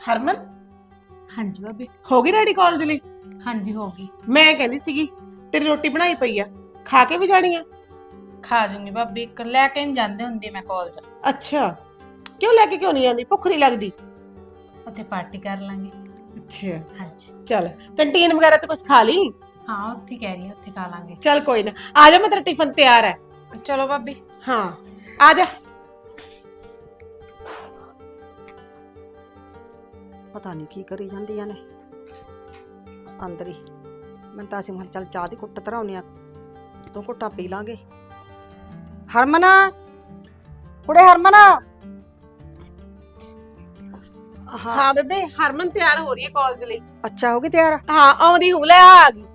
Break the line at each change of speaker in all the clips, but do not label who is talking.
ਹਰਮਨ
ਹਾਂਜੀ ਭਾਬੀ।
ਹੋ ਗਈ ਰੈਡੀ ਕਾਲਜ ਲਈ?
ਹਾਂਜੀ ਹੋ ਗਈ।
ਮੈਂ ਕਹਿੰਦੀ ਸੀਗੀ ਤੇਰੀ ਰੋਟੀ ਬਣਾਈ ਪਈ ਆ, ਖਾ ਕੇ ਵੀ ਜਾਣੀ ਆ?
ਖਾ ਜੂੰਗੀ ਭਾਬੀ, ਲੈ ਕੇ ਨਹੀਂ ਜਾਂਦੇ ਹੁੰਦੇ ਮੈਂ ਕਾਲਜ।
ਅੱਛਾ, ਕਿਉਂ ਲੈ ਕੇ ਕਿਉਂ ਨਹੀਂ ਜਾਂਦੀ? ਭੁੱਖ ਨਹੀਂ ਲੱਗਦੀ?
ਉੱਥੇ ਪਾਰਟੀ ਕਰ ਲਾਂਗੇ।
ਅੱਛਾ
ਹਾਂਜੀ
ਚੱਲ, ਕੰਟੀਨ ਵਗੈਰਾ ਤੇ ਕੁਝ ਖਾ ਲਈ।
ਹਾਂ, ਉੱਥੇ ਕਹਿ ਰਹੀ ਹਾਂ, ਉੱਥੇ ਖਾ ਲਾਂਗੇ।
ਚੱਲ ਕੋਈ ਨਾ, ਆ ਜਾ, ਮੈਂ ਤੇਰਾ ਟਿਫਨ ਤਿਆਰ ਹੈ।
ਚਲੋ ਭਾਬੀ।
ਹਾਂ ਆ ਜਾ।
ਪਤਾ ਨਹੀਂ ਕੀ ਕਰੀ ਜਾਂਦੀਆਂ ਨੇ ਅੰਦਰ ਹੀ। ਮੈਂ ਤਾਂ ਅਸੀਂ ਚੱਲ ਚਾਹ ਦੀ ਕੁੱਟ ਧਰਾਉਨੇ ਆ, ਦੋ ਘੁੱਟਾਂ ਪੀ ਲਾਂਗੇ। ਹਰਮਨ, ਕੁੜੇ ਹਰਮਨ।
ਹਾਂ ਬੇਬੇ, ਹਰਮਨ ਤਿਆਰ ਹੋ ਰਹੀ ਹੈ ਕਾਲਜ ਲਈ।
ਅੱਛਾ, ਹੋ ਗਈ ਤਿਆਰ?
ਹਾਂ ਆਉਂਦੀ ਹੂੰ, ਲੈ ਆ ਗਈ।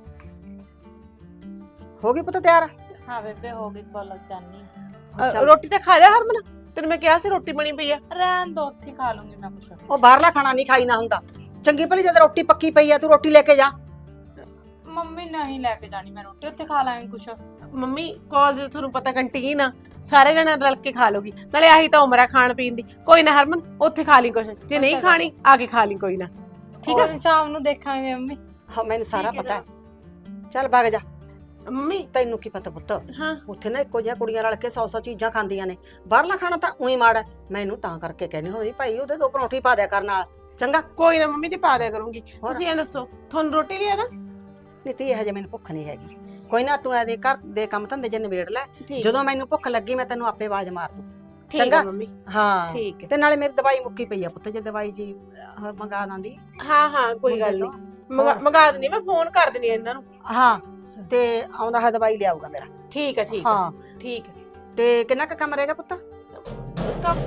ਹੋ ਗਈ ਪੁੱਤ ਤਿਆਰ?
ਹਾਂ ਬੇਬੇ, ਹੋ ਗਈ, ਕਾਲਜ ਜਾਣੀ।
ਰੋਟੀ ਤਾਂ ਖਾ ਜਾ ਹਰਮਨ, ਤੈਨੂੰ ਮੈਂ ਕਿਹਾ ਸੀ ਰੋਟੀ ਬਣੀ ਪਈ ਆ।
ਰਹਿਣ ਦੋ, ਉੱਥੇ ਖਾ ਲੂੰਗੀ ਮੈਂ ਕੁਛ।
ਉਹ ਬਾਹਰਲਾ ਖਾਣਾ ਨਹੀਂ ਖਾਈਦਾ ਹੁੰਦਾ। ਚੰਗੀ ਭਲੀ ਜਦ ਰੋਟੀ ਪੱਕੀ ਪਈ ਆ, ਤੂੰ ਰੋਟੀ ਲੈ ਕੇ ਜਾ।
ਮੰਮੀ ਨਹੀਂ ਲੈ ਕੇ ਜਾਣੀ ਮੈਂ ਰੋਟੀ, ਉੱਥੇ ਖਾ ਲਾਂਗੇ ਕੁਛ।
ਮੰਮੀ ਕਾਲਜ ਤੁਹਾਨੂੰ ਪਤਾ ਕੰਟੀਨ ਆ, ਸਾਰੇ ਜਣੇ ਰਲ ਕੇ ਖਾ ਲੋਗੀ, ਨਾਲੇ ਆਹੀ ਤਾਂ ਉਮਰ ਆ ਖਾਣ ਪੀਣ ਦੀ। ਕੋਈ ਨਾ ਹਰਮਨ, ਉੱਥੇ ਖਾ ਲਈ ਕੁਛ, ਜੇ ਨਹੀਂ ਖਾਣੀ ਆ ਕੇ ਖਾ ਲਈ, ਕੋਈ ਨਾ। ਠੀਕ ਆ,
ਸ਼ਾਮ ਨੂੰ ਦੇਖਾਂਗੇ ਮੰਮੀ।
ਹਾਂ ਮੈਨੂੰ ਸਾਰਾ
ਠੀਕ ਹੈ
ਪਤਾ ਹੈ। ਚੱਲ ਭੱਗ ਜਾ।
ਮੰਮੀ।
ਤੈਨੂੰ ਕੀ ਪਤਾ ਪੁੱਤ,
ਹਾਂ
ਉੱਥੇ ਨਾ ਇੱਕੋ ਜਿਹੀਆਂ ਕੁੜੀਆਂ ਰਲ ਕੇ 100 ਚੀਜ਼ਾਂ ਖਾਂਦੀਆਂ ਨੇ। ਬਾਹਰਲਾ ਖਾਣਾ ਤਾਂ ਉਹੀ ਮਾੜਾ। ਮੈਨੂੰ ਤਾਂ ਕਰਕੇ ਕਹਿੰਦੀ ਹੋਈ ਭਾਈ ਉਹਦੇ ਦੋ ਪਰੌਂਠੀ ਪਾ ਦਿਆ ਕਰ ਨਾਲ, ਚੰਗਾ?
ਕੋਈ ਨਾ ਮੰਮੀ ਜੀ, ਪਾ ਦਿਆ ਕਰੂੰਗੀ। ਤੁਸੀਂ ਇਹ ਦੱਸੋ, ਤੁਹਾਨੂੰ ਰੋਟੀ ਲਿਆ ਨਾ?
ਨੀਤੀ ਹਜੇ ਮੈਨੂੰ ਭੁੱਖ ਨਹੀਂ ਹੈਗੀ। ਕੋਈ ਨਾ, ਤੂੰ ਇਹਦੇ ਘਰ ਦੇ ਕੰਮ ਧੰਦੇ ਜੇ ਨਿਬੇੜ ਲੈ, ਜਦੋਂ ਮੈਨੂੰ ਭੁੱਖ ਲੱਗੀ ਮੈਂ ਤੈਨੂੰ ਆਪੇ ਆਵਾਜ਼ ਮਾਰ ਦੂੰ,
ਚੰਗਾ ਮੰਮੀ?
ਹਾਂ
ਠੀਕ ਹੈ।
ਤੇ ਨਾਲੇ ਮੇਰੀ ਦਵਾਈ ਮੁੱਕੀ ਪਈ ਆ ਪੁੱਤ, ਜੇ ਦਵਾਈ ਜੀ ਮੰਗਾ ਦਾਂਦੀ।
ਹਾਂ ਹਾਂ ਕੋਈ ਗੱਲ ਨਹੀਂ, ਮੰਗਾ ਦਿੰਦੀ, ਮੈਂ ਫੋਨ ਕਰ ਦਿੰਦੀ ਇਹਨਾਂ ਨੂੰ।
ਹਾਂ ਤੇ ਆਉਂਦਾ ਹੈ ਦਵਾਈ ਲਿਆਊਗਾ ਮੇਰਾ।
ਠੀਕ ਹੈ ਠੀਕ
ਹਾਂ
ਹੈ ਠੀਕ ਹੈ।
ਤੇ ਕਿੰਨਾ ਕੁ ਕੰਮ ਰਹੇਗਾ ਪੁੱਤ?
ਕੰਮ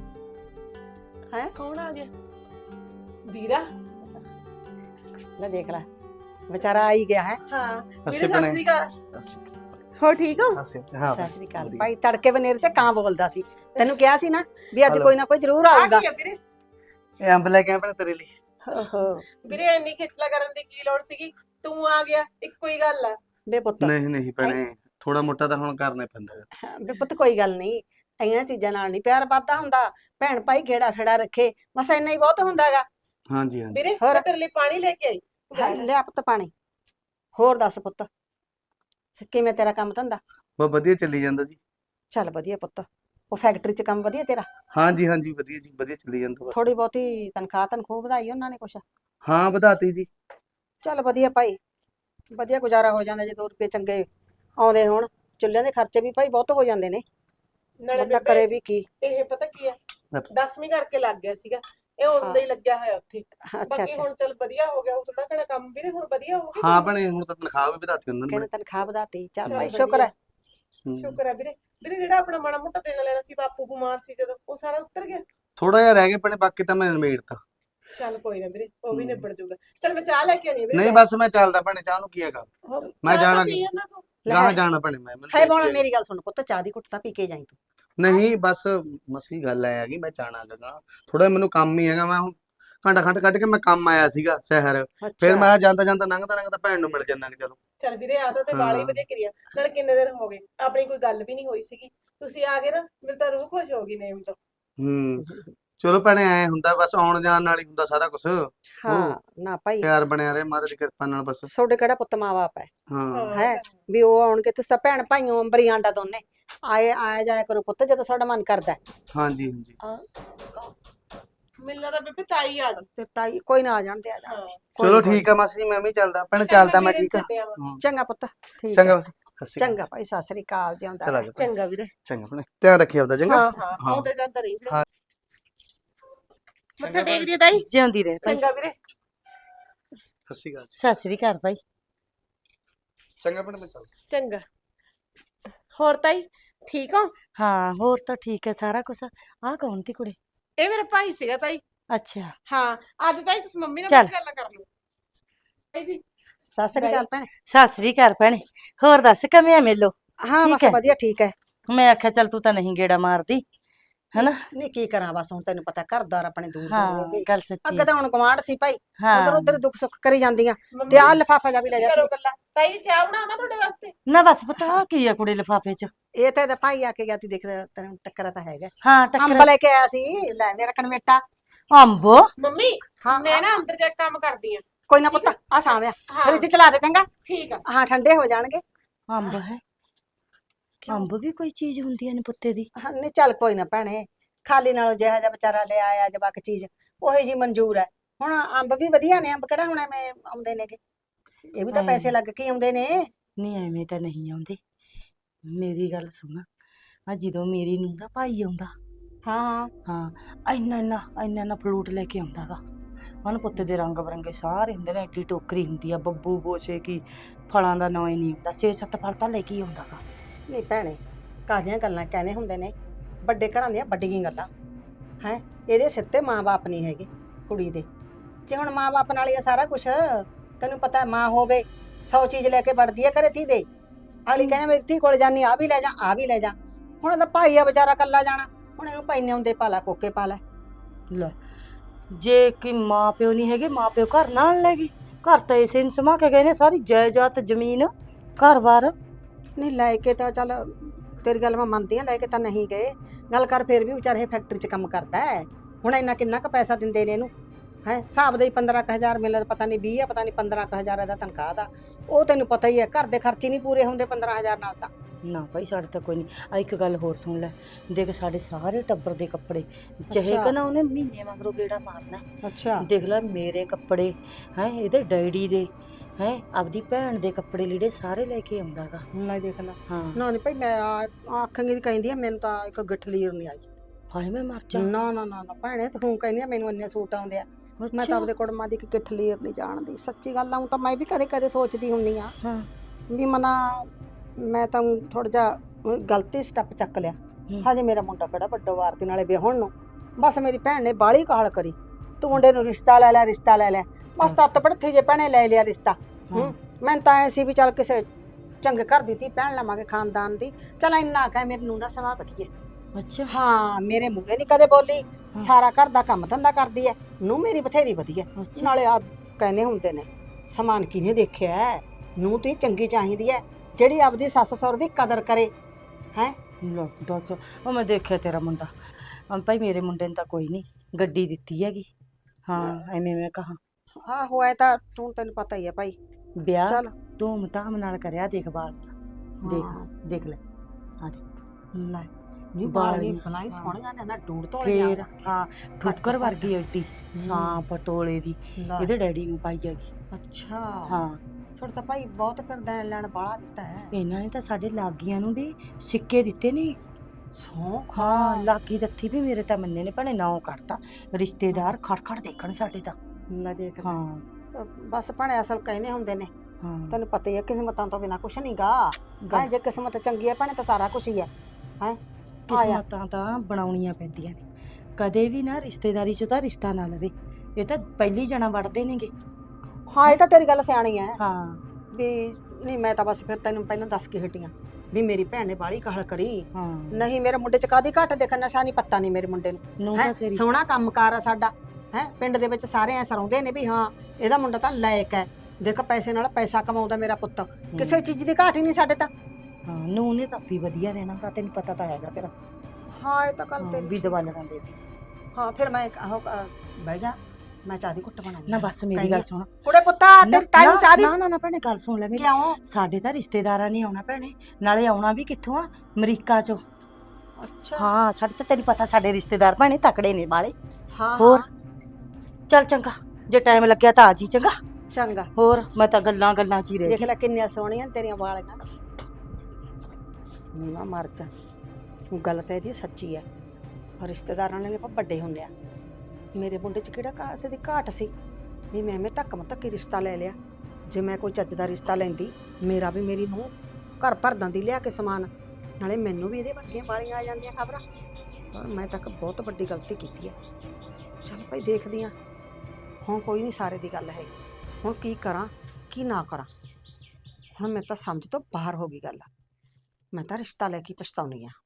ਹੈ?
ਕੌਣ ਆ ਗਿਆ? ਵੀਰਾ।
ਲੈ ਦੇਖ ਲੈ, ਵਿਚਾਰਾ ਆ ਹੀ ਗਿਆ ਹੈ।
ਹਾਂ ਵੀਰੇ,
ਅਸੀਂ
ਸਤਿ ਸ੍ਰੀ ਅਕਾਲ। ਹੋ ਠੀਕ ਹੋ?
ਹਾਂ
ਸਤਿ ਸ੍ਰੀ ਅਕਾਲ ਭਾਈ। ਤੜਕੇ ਬਨੇਰੇ ਤੇ ਕਾਂ ਬੋਲਦਾ ਸੀ, ਤੈਨੂੰ ਕਿਹਾ ਸੀ ਨਾ ਵੀ ਅੱਜ
ਹੈਲੋ।
ਕੋਈ ਨਾ ਕੋਈ ਜ਼ਰੂਰ
ਆ
ਆਊਗਾ।
ਕੀ ਆ ਵੀਰੇ?
ਇਹ ਅੰਬ ਲੈ ਕੇ ਆਇਆ ਤੇਰੇ ਲਈ।
ਓਹੋ
ਵੀਰੇ ਇੰਨੀ ਖਿਚਲਾ ਕਰਨ ਦੀ ਕੀ ਲੋੜ ਸੀਗੀ? ਤੂੰ ਆ ਗਿਆ, ਇੱਕੋ ਹੀ ਗੱਲ ਆ।
ਬੇ ਪੁੱਤ,
ਨਹੀਂ ਨਹੀਂ ਭੈਣੇ, ਥੋੜਾ ਮੋਟਾ ਤਾਂ ਹੁਣ ਕਰਨਾ ਪੈਂਦਾ ਹੈ।
ਬੇ ਪੁੱਤ ਕੋਈ ਗੱਲ ਨਹੀਂ, ਇਹਨਾਂ ਚੀਜ਼ਾਂ ਨਾਲ ਨਹੀਂ ਪਿਆਰ ਵੱਧਦਾ ਹੁੰਦਾ। ਭੈਣ ਭਾਈ ਖੇੜਾ ਫੇੜਾ ਰੱਖੇ, ਬਸ ਇੰਨਾ ਹੀ ਬਹੁਤ ਹੁੰਦਾ ਹੈਗਾ।
ਹਾਂਜੀ ਹਾਂਜੀ।
ਵੀਰੇ
ਹੋਰ?
ਮੈਂ ਤੇਰੇ ਲਈ ਪਾਣੀ ਲੈ ਕੇ ਆਈ।
ਲਿਆ ਪੁੱਤ ਪਾਣੀ। ਹੋਰ ਦੱਸ ਪੁੱਤ, ਕਿਵੇਂ ਤੇਰਾ ਕੰਮ ਧੰਦਾ?
ਬਹੁਤ ਵਧੀਆ ਚੱਲੀ ਜਾਂਦਾ ਜੀ।
ਚੱਲ ਵਧੀਆ ਪੁੱਤ। ਉਹ ਫੈਕਟਰੀ 'ਚ ਕੰਮ ਵਧੀਆ ਤੇਰਾ?
ਹਾਂਜੀ ਹਾਂਜੀ, ਵਧੀਆ ਜੀ, ਵਧੀਆ ਚੱਲੀ ਜਾਂਦਾ ਬਸ।
ਥੋੜੀ ਬਹੁਤੀ ਤਨਖਾਹ ਵਧਾਈ ਉਹਨਾਂ ਨੇ ਕੁਛ?
ਹਾਂ ਵਧਾਤੀ ਜੀ।
ਚੱਲ ਵਧੀਆ ਭਾਈ, ਵਧੀਆ ਗੁਜ਼ਾਰਾ ਹੋ ਜਾਂਦਾ ਜੇ 2 ਰੁਪਏ ਚੰਗੇ ਆਉਂਦੇ ਹੋਣ। ਚੁੱਲ੍ਹਿਆਂ ਦੇ ਖਰਚੇ ਵੀ ਭਾਈ ਬਹੁਤ ਹੋ ਜਾਂਦੇ ਨੇ,
ਨਾਲੇ
ਬੰਦਾ ਕਰੇ
ਬੇਬੇ,
ਵੀ ਕੀ।
ਇਹ ਪਤਾ ਕੀ ਆ, 10ਵੀਂ ਕਰਕੇ ਲੱਗ ਗਿਆ ਸੀਗਾ, ਇਹ ਉਦੋਂ ਹੀ ਲੱਗਿਆ ਹੋਇਆ ਉੱਥੇ।
ਅੱਛਾ
ਬਾਕੀ
ਅੱਛਾ,
ਹੁਣ ਚੱਲ ਵਧੀਆ ਹੋ ਗਿਆ, ਉਹ ਥੋੜਾ ਘਣਾ ਕੰਮ ਵੀਰੇ ਹੁਣ ਵਧੀਆ ਹੋ ਗਿਆ।
ਹਾਂ ਭੈਣੇ, ਹੁਣ ਤਾਂ ਤਨਖਾਹ ਵੀ ਵਧਾਤੀ ਉਹਨਾਂ
ਕਹਿੰਦੇ
ਨੇ।
ਤਨਖਾਹ ਵਧਾਤੀ। ਚੱਲ
ਚੱਲ
ਭਾਈ
ਵਧੀਆ।
ਸ਼ੁਕਰ ਹੈ।
ਸ਼ੁਕਰ ਹੈ ਵੀਰੇ। ਵੀਰੇ ਜਿਹੜਾ ਆਪਣਾ ਮਾੜਾ ਮੋਟਾ ਦੇਣਾ ਲੈਣਾ ਸੀ, ਬਾਪੂ ਬਿਮਾਰ ਸੀ ਜਦੋਂ, ਉਹ ਸਾਰਾ ਉਤਰ ਗਿਆ?
ਥੋੜਾ ਜਿਹਾ ਰਹਿ ਗਿਆ ਭੈਣੇ, ਬਾਕੀ ਤਾਂ ਮੈਂ ਨਿਬੇੜਤਾ।
ਚੱਲ ਕੋਈ ਨਾ ਵੀਰੇ, ਉਹ ਵੀ ਨਿਬੜ ਜਾਊਗਾ। ਚੱਲ ਮੈਂ ਚਾਹ ਲੈ ਕੇ ਆਣੀ ਵੀਰੇ।
ਨਹੀਂ ਬਸ ਮੈਂ ਚੱਲਦਾ ਭੈਣੇ, ਚਾਹ ਨੂੰ ਕੀ ਹੈਗਾ, ਮੈਂ ਜਾਣਾ
ਪੀ ਜਾਂਦਾ ਤੂੰ।
ਗਾਹਾਂ ਜਾਣਾ ਭੈਣੇ ਮੈਂ। ਮੈਨੂੰ
ਹੈ
ਭੇਜੀ
ਬੋਣਾ,
ਹੈ।
ਮੇਰੀ ਗੱਲ ਸੁਣ ਪੁੱਤ, ਚਾਹ ਦੀ ਘੁੱਟ ਤਾਂ ਪੀ ਕੇ ਜਾਈਂ ਤੂੰ।
ਨਹੀਂ ਬਸ ਮਸੀ ਗੱਲ ਐ ਹੈਗੀ, ਮੈਂ ਜਾਣਾ ਲੱਗਾ ਥੋੜਾ, ਮੈਨੂੰ ਕੰਮ ਹੀ ਹੈਗਾ। ਮੈਂ ਹੁਣ ਘੰਟਾ ਖੰਡ ਕੱਢ ਕੇ ਮੈਂ ਕੰਮ ਆਇਆ ਸੀਗਾ ਸ਼ਹਿਰ, ਫਿਰ ਮੈਂ ਜਾਂਦਾ ਜਾਂਦਾ ਲੰਘਦਾ ਭੈਣ ਨੂੰ ਮਿਲ ਜਾਂਦਾ ਕਿ ਚਲੋ।
ਚੱਲ ਵੀਰੇ, ਆ ਤਾਂ ਤੇ ਵਾਲੀ ਵਧੀਆ ਕਰਿਆ। ਨਾਲੇ ਕਿੰਨੇ ਦਿਨ ਹੋ ਗਏ ਆਪਣੀ ਕੋਈ ਗੱਲ ਵੀ ਨਹੀਂ ਹੋਈ ਸੀਗੀ, ਤੁਸੀਂ ਆ ਗਏ ਨਾ, ਮੇਰੇ ਤਾਂ ਰੂਹ ਖੁਸ਼ ਹੋ ਗਈ ਨੇਮ ਤੋਂ।
ਚਲੋ ਭੈਣੇ, ਐ ਹੁੰਦਾ ਬਸ, ਆਉਣ ਜਾਣ ਨਾਲ ਹੀ ਹੁੰਦਾ ਸਾਰਾ ਕੁਝ।
ਹਾਂ ਨਾ ਭਾਈ,
ਪਿਆਰ ਬਣਿਆ ਰਹੇ ਮਹਾਰਾਜ ਦੀ ਕਿਰਪਾ ਨਾਲ ਬਸ।
ਤੁਹਾਡੇ ਕਿਹੜਾ ਪੁੱਤ ਮਾਂ ਬਾਪ ਹੈ
ਹਾਂ
ਹੈ ਵੀ ਉਹ ਆਉਣਗੇ? ਤੁਸੀਂ ਤਾਂ ਭੈਣ ਭਾਈਓ ਅੰਬਰੀ ਆਂਡਾ ਦੋਨੇ ਆਇਆ ਜਾਇਆ ਕਰੋ ਪੁੱਤ, ਜਦੋਂ ਤੁਹਾਡਾ ਮਨ ਕਰਦਾ।
ਹਾਂਜੀ ਹਾਂਜੀ।
ਮਿਲਣਾ ਤਾਂ ਬੇਬੇ ਤਾਈ ਆ ਗਈ।
ਤੇ ਤਾਈ ਕੋਈ ਨਾ, ਆ ਜਾਣ ਦੇ, ਆ ਜਾਣ
ਹਾਂ
ਦੇ।
ਚਲੋ ਠੀਕ ਆ ਮਾਸੀ ਜੀ, ਮੈਂ ਵੀ ਚੱਲਦਾ ਭੈਣੇ, ਚੱਲਦਾ ਮੈਂ, ਠੀਕ ਆ।
ਚੰਗਾ ਪੁੱਤ, ਠੀਕ
ਚੰਗਾ
ਹੈ।
ਮਾਸੀ, ਸਤਿ ਸ਼੍ਰੀ ਅਕਾਲ।
ਚੰਗਾ ਭਾਈ, ਸਤਿ ਸ੍ਰੀ ਅਕਾਲ, ਜਿਉਂਦਾ
ਚਲਾ
ਰਹਿ।
ਜਾ
ਚੰਗਾ ਵੀਰੇ।
ਚੰਗਾ ਭੈਣੇ, ਧਿਆਨ ਰੱਖਿਆ ਆਪਦਾ, ਚੰਗਾ।
ਹਾਂ ਹਾਂ,
ਹਾਂ।
ਆਉਂਦੇ ਜਾਂਦਾ ਰਹੀ ਵੀਰੇ।
ਹਾਂ।
ਮੱਥਾ ਟੇਕ ਦੀ ਤਾਈ।
ਜਿਉਂਦੀ ਰਹੇ ਭਾਈ।
ਚੰਗਾ ਵੀਰੇ।
ਸਤਿ ਸ਼੍ਰੀ ਅਕਾਲ ਜੀ।
ਸਤਿ ਸ੍ਰੀ ਅਕਾਲ ਭਾਈ।
ਚੰਗਾ ਭੈਣੇ, ਮੈਂ ਚੱਲ।
ਚੰਗਾ। ਹੋਰ ਤਾਈ ਠੀਕ ਹੋ?
ਹਾਂ ਹੋਰ ਤਾਂ ਠੀਕ ਹੈ ਸਾਰਾ ਕੁਝ। ਆਹ ਕੌਣ ਤੀ ਕੁੜੀ?
ਇਹ ਮੇਰਾ ਭਾਈ ਸੀਗਾ ਤਾਈ।
ਅੱਛਾ
ਹਾਂ, ਅੱਜ ਤਾਈ ਤੁਸੀਂ ਮੰਮੀ ਨਾਲ
ਚੱਲ।
ਕੁਝ ਗੱਲਾਂ ਕਰ ਲਓ। ਤਾਈ ਜੀ
ਸਤਿ ਸ੍ਰੀ ਅਕਾਲ ਭੈਣ।
ਸਤਿ ਸ੍ਰੀ ਅਕਾਲ ਭੈਣੇ। ਹੋਰ ਦੱਸ ਕਿਵੇਂ ਆ ਮੇਲੋ?
ਹਾਂ
ਠੀਕ
ਬਸ
ਹੈ।
ਵਧੀਆ, ਠੀਕ ਹੈ।
ਮੈਂ ਆਖਿਆ ਚੱਲ ਤੂੰ ਤਾਂ ਨਹੀਂ ਗੇੜਾ ਮਾਰਦੀ ਹਨਾ।
ਨਹੀਂ ਕੀ ਕਰਾਂ, ਬਸ ਹੁਣ ਤੈਨੂੰ ਪਤਾ ਘਰਦਾਰ ਆਪਣੇ ਦੂਰ ਦੂਰ ਹੋ
ਹਾਂ
ਗਏ।
ਗੱਲ ਸੱਚੀ
ਅੱਗੇ ਤਾਂ ਹੁਣ ਗਵਾਂਢ ਸੀ ਭਾਈ, ਉਧਰ
ਹਾਂ
ਉਧਰ ਦੁੱਖ ਸੁੱਖ ਕਰੀ ਜਾਂਦੀਆਂ।
ਮੰਮੀ
ਤੇ ਆਹ ਲਿਫਾਫਾ ਜਾ ਵੀ ਲੈ ਜਾ।
ਕਰੋ ਗੱਲਾਂ। ਤਾਈ ਚਾਹ ਬਣਾਵਾਂ ਤੁਹਾਡੇ ਵਾਸਤੇ?
ਨਾ ਬਸ ਪਤਾ ਕੀ ਆ ਕੁੜੀ ਲਿਫਾਫੇ ਚ?
ਇਹ ਤਾਂ ਇਹਦਾ ਭਾਈ ਆ ਕੇ ਗਿਆ ਤੀ, ਦੇਖ ਤੈਨੂੰ ਟੱਕਰਾ ਤਾਂ ਹੈਗਾ।
ਹਾਂ
ਅੰਬ
ਟੱਕਰ।
ਲੈ ਕੇ ਆਇਆ ਸੀ, ਲੈ ਮੇਰਾ ਕਨਵੇਟਾ।
ਅੰਬ
ਮੰਮੀ
ਹਾਂ,
ਮੈਂ ਨਾ ਅੰਦਰ ਜਾ ਕੇ ਕੰਮ ਕਰਦੀ ਆ।
ਕੋਈ ਨਾ ਪੁੱਤ ਆ ਸਾਂਵਿਆ
ਹਾਂ
ਫਰਿੱਜ ਚਲਾ ਦੇ ਚੰਗਾ।
ਠੀਕ ਆ।
ਹਾਂ ਠੰਡੇ ਹੋ ਜਾਣਗੇ।
ਅੰਬ ਹੈ ਅੰਬ ਵੀ ਕੋਈ ਚੀਜ਼ ਹੁੰਦੀ ਹੈ ਨੀ ਪੁੱਤੇ ਦੀ।
ਹਾਂ, ਨਹੀਂ ਚੱਲ ਕੋਈ ਨਾ ਭੈਣੇ, ਖਾਲੀ ਨਾਲੋਂ ਜਿਹਾ ਜਿਹਾ ਵਿਚਾਰਾ ਲੈ ਆਇਆ ਜਵਾਕ ਚੀਜ਼ ਉਹੀ ਜੀ ਮਨਜ਼ੂਰ ਹੈ। ਹੁਣ ਅੰਬ ਵੀ ਵਧੀਆ ਨੇ, ਅੰਬ ਕਿਹੜਾ ਹੁਣ ਐਵੇਂ ਆਉਂਦੇ ਨੇਗੇ, ਇਹ ਵੀ ਤਾਂ ਪੈਸੇ ਲੱਗ ਕੇ ਆਉਂਦੇ ਨੇ।
ਨਹੀਂ ਐਵੇਂ ਤਾਂ ਨਹੀਂ ਆਉਂਦੇ। ਮੇਰੀ ਗੱਲ ਸੁਣ, ਆ ਜਦੋਂ ਮੇਰੀ ਨੂੰਹ ਦਾ ਭਾਈ ਆਉਂਦਾ,
ਹਾਂ
ਹਾਂ ਇੰਨਾ ਫਲੂਟ ਲੈ ਕੇ ਆਉਂਦਾ ਗਾ। ਉਹਨੂੰ ਪੁੱਤੇ ਦੇ ਰੰਗ ਬਰੰਗੇ ਸਾਰੇ ਹੁੰਦੇ ਨੇ, ਐਡੀ ਟੋਕਰੀ ਹੁੰਦੀ ਆ, ਬੱਬੂ ਗੋਸ਼ੇ ਕੀ ਫਲਾਂ ਦਾ ਨਾਂ ਹੀ ਨਹੀਂ ਹੁੰਦਾ, 6-7 ਫਲ ਤਾਂ ਲੈ ਕੇ ਹੀ ਆਉਂਦਾ ਗਾ।
ਨਹੀਂ ਭੈਣੇ, ਕਾਹਦੀਆਂ ਗੱਲਾਂ ਕਹਿੰਦੇ ਹੁੰਦੇ ਨੇ, ਵੱਡੇ ਘਰਾਂ ਦੀਆਂ ਵੱਡੀਆਂ ਗੱਲਾਂ ਹੈ। ਇਹਦੇ ਸਿਰ ਤੇ ਮਾਂ-ਬਾਪ ਨਹੀਂ ਹੈਗੇ ਕੁੜੀ ਦੇ। ਜੇ ਹੁਣ ਮਾਂ-ਬਾਪ ਨਾਲ ਹੀ ਆ ਸਾਰਾ ਕੁਛ, ਤੈਨੂੰ ਪਤਾ ਮਾਂ ਹੋਵੇ 100 ਚੀਜ਼ ਲੈ ਕੇ ਵੜਦੀ ਹੈ ਘਰੇ ਧੀ ਦੇ। ਅਗਲੀ ਕਹਿੰਦੇ ਮੇਰੀ ਧੀ ਕੋਲ ਜਾਨੀ ਆ ਵੀ ਲੈ ਜਾ, ਆ ਵੀ ਲੈ ਜਾ। ਹੁਣ ਉਹਦਾ ਭਾਈ ਆ ਵਿਚਾਰਾ ਕੱਲਾ ਜਾਣਾ, ਹੁਣ ਇਹਨੂੰ ਭਾਈ ਨੇ ਆਉਂਦੇ ਪਾਲਾ ਕੋਕੇ ਪਾ ਲੈ।
ਲੈ ਜੇ ਕਿ ਮਾਂ ਪਿਓ ਨਹੀਂ ਹੈਗੇ, ਮਾਂ ਪਿਓ ਘਰ ਨਾਲ ਲੈ ਗਏ। ਘਰ ਤਾਂ ਇਸੇ ਨੂੰ ਸਮਾ ਕੇ ਗਏ ਨੇ, ਸਾਰੀ ਜਾਇਦਾਦ ਜ਼ਮੀਨ ਘਰ-ਬਾਰ।
ਨਹੀਂ ਲੈ ਕੇ ਤਾਂ ਚੱਲ ਤੇਰੀ ਗੱਲ ਮੈਂ ਮੰਨਦੀ ਆ, ਲੈ ਕੇ ਤਾਂ ਨਹੀਂ ਗਏ। ਗੱਲ ਕਰ ਫਿਰ ਵੀ ਵਿਚਾਰੇ ਫੈਕਟਰੀ 'ਚ ਕੰਮ ਕਰਦਾ ਹੈ। ਹੁਣ ਇੰਨਾ ਕਿੰਨਾ ਕੁ ਪੈਸਾ ਦਿੰਦੇ ਨੇ ਇਹਨੂੰ ਹੈ, ਹਿਸਾਬ ਦੇ 15,000 ਮਿਲਦਾ, ਪਤਾ ਨਹੀਂ 20 ਆ, ਪਤਾ ਨਹੀਂ 15,000 ਇਹਦਾ ਤਨਖਾਹ ਦਾ। ਉਹ ਤੈਨੂੰ ਪਤਾ ਹੀ ਹੈ, ਘਰ ਦੇ ਖਰਚੇ ਨਹੀਂ ਪੂਰੇ ਹੁੰਦੇ 15,000 ਨਾਲ ਤਾਂ।
ਨਾ ਭਾਈ ਸਾਡੇ ਤਾਂ ਕੋਈ ਨਹੀਂ। ਆ ਇੱਕ ਗੱਲ ਹੋਰ ਸੁਣ ਲੈ, ਦੇਖ ਸਾਡੇ ਸਾਰੇ ਟੱਬਰ ਦੇ ਕੱਪੜੇ ਚਾਹੇ
ਅੱਛਾ।
ਕਿ ਨਾ ਉਹਨੇ ਮਹੀਨੇ ਮਗਰੋਂ ਗੇੜਾ ਮਾਰਨਾ ਹੈ।
ਅੱਛਾ
ਦੇਖ ਲੈ ਮੇਰੇ ਕੱਪੜੇ ਹੈ, ਇਹਦੇ ਡੈਡੀ ਦੇ ਹੈ, ਆਪਦੀ ਭੈਣ ਦੇ ਕੱਪੜੇ ਲੀੜੇ ਸਾਰੇ ਲੈ ਕੇ ਆਉਂਦਾ ਗਾ।
ਲੈ ਦੇਖ ਲੈ।
ਹਾਂ
ਨਾ ਨਹੀਂ ਭਾਈ ਮੈਂ ਆਖਾਂਗੀ ਦੀ ਕਹਿੰਦੀ ਆ, ਮੈਨੂੰ ਤਾਂ ਇੱਕ ਗਠਲੀਰ ਨਹੀਂ ਆਈ।
ਹਾਏ ਮੈਂ ਮਰ ਜਾ।
ਨਾ ਨਾ ਨਾ ਨਾ ਭੈਣੇ, ਤੂੰ ਕਹਿੰਦੀ ਆ ਮੈਨੂੰ ਇੰਨੇ ਸੂਟ ਆਉਂਦੇ ਆ, ਮੈਂ ਤਾਂ ਆਪਦੇ ਕੁੜਮਾਂ ਦੀ ਇੱਕ ਗਠਲੀਰ ਨਹੀਂ ਜਾਣਦੀ। ਸੱਚੀ ਗੱਲ ਆਉਂ ਤਾਂ ਮੈਂ ਵੀ ਕਦੇ ਕਦੇ ਸੋਚਦੀ ਹੁੰਦੀ ਆ
ਹਾਂ
ਵੀ ਮਨਾ ਮੈਂ ਤਾਂ ਥੋੜਾ ਜਿਹਾ ਗਲਤੀ ਸਟੈਪ ਚੱਕ ਲਿਆ। ਹਜੇ ਮੇਰਾ ਮੁੰਡਾ ਕਿਹੜਾ ਵੱਡਾ ਵਾਰ ਤੇ ਨਾਲੇ ਵਿਆਹਣ ਨੂੰ, ਬਸ ਮੇਰੀ ਭੈਣ ਨੇ ਬਾਲੀ ਕਾਹਲ ਕਰੀ, ਤੂੰ ਮੁੰਡੇ ਨੂੰ ਰਿਸ਼ਤਾ ਲੈ ਲੈ, ਰਿਸ਼ਤਾ ਲੈ ਲੈ। ਬਸ ਤੱਤ ਪੜਥੇ ਜੇ ਭੈਣੇ ਲੈ ਲਿਆ ਰਿਸ਼ਤਾ। ਮੈਂ ਤਾਂ ਐ ਸੀ ਵੀ ਚੱਲ ਕਿਸੇ ਚੰਗੇ ਘਰ ਦੀ ਧੀ ਭੈਣ ਲਵਾਂਗੇ, ਖਾਨਦਾਨ ਦੀ। ਚੱਲ ਇੰਨਾ ਕਹਿ ਮੇਰੀ ਨੂੰਹ ਦਾ ਸੁਭਾਅ ਵਧੀਆ।
ਅੱਛਾ
ਹਾਂ ਮੇਰੇ ਮੂਹਰੇ ਨਹੀਂ ਕਦੇ ਬੋਲੀ, ਸਾਰਾ ਘਰ ਦਾ ਕੰਮ ਧੰਦਾ ਕਰਦੀ ਐ ਨੂੰਹ ਮੇਰੀ, ਬਥੇਰੀ ਵਧੀਆ।
ਅੱਛਾ
ਨਾਲੇ ਆ ਕਹਿੰਦੇ ਹੁੰਦੇ ਨੇ ਸਮਾਨ ਕਿਹਨੇ ਦੇਖਿਆ, ਨੂੰਹ ਤੇ ਚੰਗੀ ਚਾਹੀਦੀ ਐ ਜਿਹੜੀ ਆਪਦੀ ਸੱਸ ਸਹੁਰੇ ਦੀ ਕਦਰ ਕਰੇ ਹੈ।
ਲੈ ਦੱਸ, ਉਹ ਮੈਂ ਦੇਖਿਆ ਤੇਰਾ ਮੁੰਡਾ। ਭਾਈ ਮੇਰੇ ਮੁੰਡੇ ਨੂੰ ਤਾਂ ਕੋਈ ਨਹੀਂ ਗੱਡੀ ਦਿੱਤੀ ਹੈਗੀ। ਹਾਂ ਐਵੇਂ ਮੈਂ ਕਹਾ
ਆਹੋ ਐ ਤਾਂ ਤੈਨੂੰ ਪਤਾ ਹੀ ਐ ਭਾਈ।
ਵਿਆਹ
ਚੱਲ
ਧੂਮ ਧਾਮ ਨਾਲ ਕਰਿਆ, ਦੇਖਭਾਲ ਦੇਖ
ਹਾਂ।
ਦੇਖ ਲੈ ਆ ਦੇਖ
ਲੈ ਨਹੀਂ
ਬਾਲ
ਬਾਲੀ
ਨੀ।
ਬਲਾਈ
ਹਾਂ।
ਸੋਹਣੀਆਂ ਨੇ ਨਾ, ਡੂੜ ਤੋਲੇ
ਫੇਰ ਹਾਂ ਠੁੱਕਰ ਵਰਗੀ ਐਡੀ ਸਾਂ ਪਟੋਲੇ ਦੀ ਇਹਦੇ ਡੈਡੀ ਨੂੰ ਪਾਈ ਹੈਗੀ।
ਅੱਛਾ
ਹਾਂ
ਛੋੜ ਤਾਂ ਭਾਈ ਬਹੁਤ ਕਰ ਦੇਣ ਲੈਣ ਬਾਲਾ ਦਿੱਤਾ ਹੈ।
ਇਹਨਾਂ ਨੇ ਤਾਂ ਸਾਡੇ ਲਾਗੀਆਂ ਨੂੰ ਵੀ ਸਿੱਕੇ ਦਿੱਤੇ ਨੇ।
ਸੌ
ਹਾਂ ਲਾਗੀ ਦੱਥੀ ਵੀ ਮੇਰੇ ਤਾਂ ਮੰਨੇ ਨੇ ਭਣੇ ਨਾਂ ਕੱਢਤਾ, ਰਿਸ਼ਤੇਦਾਰ ਖੜਖੜ ਦੇਖਣ ਸਾਡੇ ਤਾਂ।
ਲੈ ਦੇਖ
ਹਾਂ
ਬਸ ਭਣੇ ਅਸਲ ਕਹਿੰਦੇ ਹੁੰਦੇ ਨੇ,
ਹਾਂ
ਤੈਨੂੰ ਪਤਾ ਹੀ ਹੈ ਕਿਸਮਤਾਂ ਤੋਂ ਬਿਨਾ ਕੁਛ ਨਹੀਂ ਗਾ। ਜੇ ਕਿਸਮਤ ਚੰਗੀ ਹੈ ਭੈਣੇ ਤਾਂ ਸਾਰਾ ਕੁਝ ਹੀ ਹੈ। ਹੈ
ਕਿਸਮਤਾਂ ਤਾਂ ਬਣਾਉਣੀਆਂ ਪੈਂਦੀਆਂ ਨੇ, ਕਦੇ ਵੀ ਨਾ ਰਿਸ਼ਤੇਦਾਰੀ 'ਚ ਤਾਂ ਰਿਸ਼ਤਾ ਨਾ ਲਵੇ, ਇਹ ਤਾਂ ਪਹਿਲੀ ਜਣਾ ਵੜਦੇ ਨੇਗੇ।
ਹਾਂ ਇਹ ਤਾਂ ਤੇਰੀ ਗੱਲ ਸਿਆਣੀ ਹੈ
ਹਾਂ
ਵੀ ਨਹੀਂ, ਮੈਂ ਤਾਂ ਬਸ ਫਿਰ ਤੈਨੂੰ ਪਹਿਲਾਂ ਦੱਸ ਕੇ ਹਟੀਆਂ ਵੀ ਮੇਰੀ ਭੈਣ ਨੇ ਬਾਲੀ ਕਾਹਲ ਕਰੀ।
ਹਾਂ
ਨਹੀਂ ਮੇਰੇ ਮੁੰਡੇ ਚ ਕਾਦੀ ਘੱਟ ਦੇਖ, ਨਸ਼ਾ ਨਹੀਂ ਪੱਤਾ ਨਹੀਂ ਮੇਰੇ ਮੁੰਡੇ ਨੂੰ
ਨੂੰ
ਹੈ।
ਤਾਂ ਤੇਰੀ
ਸੋਹਣਾ ਕੰਮਕਾਰ ਆ ਸਾਡਾ ਹੈ, ਪਿੰਡ ਦੇ ਵਿੱਚ ਸਾਰੇ ਐ ਸਰਾਉਂਦੇ ਨੇ ਵੀ ਹਾਂ ਇਹਦਾ ਮੁੰਡਾ ਤਾਂ ਲਾਇਕ ਹੈ। ਦੇਖ ਪੈਸੇ ਨਾਲ ਪੈਸਾ ਕਮਾਉਂਦਾ ਮੇਰਾ ਪੁੱਤ, ਕਿਸੇ ਚੀਜ਼ ਦੀ ਘਾਟ ਹੀ ਨਹੀਂ ਸਾਡੇ ਤਾਂ।
ਹਾਂ ਨੂੰ ਨੇ ਤਾਂ ਵੀ ਵਧੀਆ ਰਹਿਣਾ ਗਾ, ਤੈਨੂੰ ਪਤਾ ਤਾਂ ਹੈਗਾ ਫਿਰ।
ਹਾਂ ਇਹ ਤਾਂ ਗੱਲ
ਹਾਂ,
ਤੇਰੀ
ਵੀ ਦਵਾਲਾਂ ਦੇ ਵੀ।
ਹਾਂ ਫਿਰ ਮੈਂ ਬਹਿ ਜਾ, ਮੈਂ ਚਾਹ ਦੀ ਘੁੱਟ ਬਣਾਉਣੀ
ਨਾ ਬਸ ਮੇਰੀ ਗੱਲ
ਕਹਿੰਦੀ
ਸੁਣ।
ਕੁੜੇ ਪੁੱਤਾ ਤੇਰੀ ਤਾਈ ਨੂੰ ਚਾਹ ਦੀ।
ਨਾ ਨਾ ਨਾ ਭੈਣੇ ਗੱਲ ਸੁਣ ਲੈ ਮੇਰੀ।
ਕਿਉਂ?
ਸਾਡੇ ਤਾਂ ਰਿਸ਼ਤੇਦਾਰਾਂ ਨੇ ਆਉਣਾ ਭੈਣੇ, ਨਾਲੇ ਆਉਣਾ ਵੀ ਕਿੱਥੋਂ ਆ, ਅਮਰੀਕਾ ਚੋਂ।
ਅੱਛਾ
ਹਾਂ ਸਾਡੇ ਤਾਂ ਤੈਨੂੰ ਪਤਾ ਸਾਡੇ ਰਿਸ਼ਤੇਦਾਰ ਭੈਣੇ ਤਕੜੇ ਨੇ ਬਾਲੇ।
ਹਾਂ
ਹੋਰ ਚੱਲ ਚੰਗਾ, ਜੇ ਟਾਈਮ ਲੱਗਿਆ ਤਾਂ ਆ ਜੀ ਚੰਗਾ।
ਚੰਗਾ
ਹੋਰ ਮੈਂ ਤਾਂ ਗੱਲਾਂ ਗੱਲਾਂ 'ਚ ਹੀ ਰਹਿ
ਦੇਖ
ਗਈ।
ਲੈ ਕਿੰਨੀਆਂ ਸੋਹਣੀਆਂ ਤੇਰੀਆਂ ਵਾਲੀਆਂ। ਨੀਵਾ ਮਰ ਜਾ, ਗੱਲ ਤਾਂ ਇਹਦੀ ਸੱਚੀ ਹੈ। ਰਿਸ਼ਤੇਦਾਰਾਂ ਨੇ ਆਪਾਂ ਵੱਡੇ ਹੁੰਦੇ ਆ, ਮੇਰੇ ਮੁੰਡੇ 'ਚ ਕਿਹੜਾ ਕਾਸੇ ਦੀ ਘਾਟ ਸੀ ਵੀ ਮੈਂ ਐਵੇਂ ਧੱਕੇ ਰਿਸ਼ਤਾ ਲੈ ਲਿਆ। ਜੇ ਮੈਂ ਕੋਈ ਚੱਜ ਦਾ ਰਿਸ਼ਤਾ ਲੈਂਦੀ, ਮੇਰਾ ਵੀ ਮੇਰੀ ਨੂੰਹ ਘਰ ਭਰ ਦਿੰਦੀ ਲਿਆ ਕੇ ਸਮਾਨ, ਨਾਲੇ ਮੈਨੂੰ ਵੀ ਇਹਦੇ ਵਰਗੀਆਂ ਵਾਲੀਆਂ ਆ ਜਾਂਦੀਆਂ ਖਬਰਾਂ। ਪਰ ਮੈਂ ਤਾਂ ਬਹੁਤ ਵੱਡੀ ਗਲਤੀ ਕੀਤੀ ਹੈ। ਚੱਲ ਭਾਈ ਦੇਖਦੀ ਆ ਹੁਣ, ਕੋਈ ਨਹੀਂ ਸਾਰੇ ਦੀ ਗੱਲ ਹੈ। ਹੁਣ ਕੀ ਕਰਾਂ ਕੀ ਨਾ ਕਰਾਂ, ਹੁਣ ਮੈਂ ਤਾਂ ਸਮਝ ਤੋਂ ਬਾਹਰ ਹੋ ਗਈ ਗੱਲ। ਮੈਂ ਤਾਂ ਰਿਸ਼ਤਾ ਲੈ ਕੇ ਪਛਤਾਉਣੀ ਆ।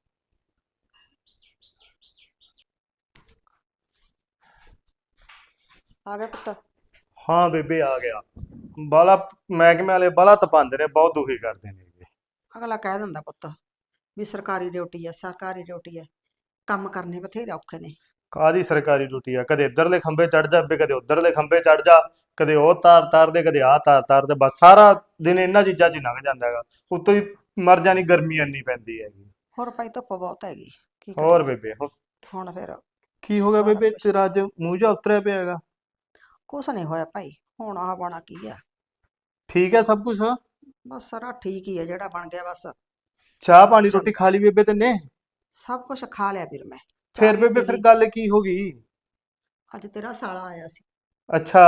ਆ ਗਿਆ ਪੁੱਤ?
ਹਾਂ ਬੇਬੇ ਆ ਗਿਆ। ਬਾਲਾ ਮਹਿਕਮੇ ਵਾਲੇ ਬਾਲਾ ਤਪਾਉਂਦੇ ਨੇ, ਬਹੁਤ ਦੁਖੀ ਕਰਦੇ ਨੇ।
ਅਗਲਾ ਕਹਿ ਦਿੰਦਾ ਪੁੱਤ ਵੀ ਸਰਕਾਰੀ ਡਿਊਟੀ ਹੈ, ਸਰਕਾਰੀ ਡਿਊਟੀ ਹੈ, ਕੰਮ ਕਰਨੇ ਬਥੇਰੇ ਔਖੇ ਨੇ।
ਕਾਹਦੀ ਸਰਕਾਰੀ ਡਿਊਟੀ ਆ? ਕਦੇ ਇੱਧਰਲੇ ਖੰਭੇ ਚੜ ਜਾ ਬੇ, ਕਦੇ ਉੱਧਰਲੇ ਖੰਭੇ ਚੜ ਜਾ, ਕਦੇ ਉਹ ਤਾਰ ਦੇ, ਕਦੇ ਆਹ ਤਾਰ ਦੇ, ਬਸ ਸਾਰਾ ਦਿਨ ਇਹਨਾਂ ਚੀਜ਼ਾਂ 'ਚ ਹੀ ਲੰਘ ਜਾਂਦਾ ਹੈਗਾ। ਉੱਤੋਂ ਹੀ ਮਰ ਜਾਣੀ, ਗਰਮੀ ਇੰਨੀ ਪੈਂਦੀ ਹੈਗੀ।
ਹੋਰ ਭਾਈ ਧੁੱਪ ਬਹੁਤ ਹੈਗੀ, ਕੀ
ਹੋਰ
ਕਰੀਏ?
ਬੇਬੇ
ਹੁਣ ਫਿਰ
ਕੀ ਹੋ ਗਿਆ
ਸਾਰਾ
ਬੇਬੇ,
ਕੁਛ।
ਤੇਰਾ ਅੱਜ ਮੂੰਹ ਜਿਹਾ ਉਤਰਿਆ ਪਿਆ ਹੈਗਾ?
ਕੁਛ ਨਹੀਂ ਹੋਇਆ ਭਾਈ, ਹੁਣ ਆਹ ਬਣਾ ਕੀ ਆ?
ਠੀਕ ਹੈ ਸਭ ਕੁਝ?
ਬਸ ਸਾਰਾ ਠੀਕ ਹੀ ਹੈ ਜਿਹੜਾ ਬਣ ਗਿਆ, ਬਸ
ਚਾਹ ਪਾਣੀ
ਚੱਲ।
ਰੋਟੀ ਖਾ ਲਈ ਬੇਬੇ ਤੈਨੇ?
ਸਭ ਕੁਝ ਖਾ ਲਿਆ ਵੀਰ ਮੈਂ।
ਫਿਰ
ਚਾਹ ਵੀ
ਬੇਬੇ
ਪੀ
ਫਿਰ
ਲਈ।
ਗੱਲ ਕੀ ਹੋ ਗਈ?
ਅੱਜ ਤੇਰਾ ਸਾਲਾ ਆਇਆ ਸੀ,
ਅੱਛਾ।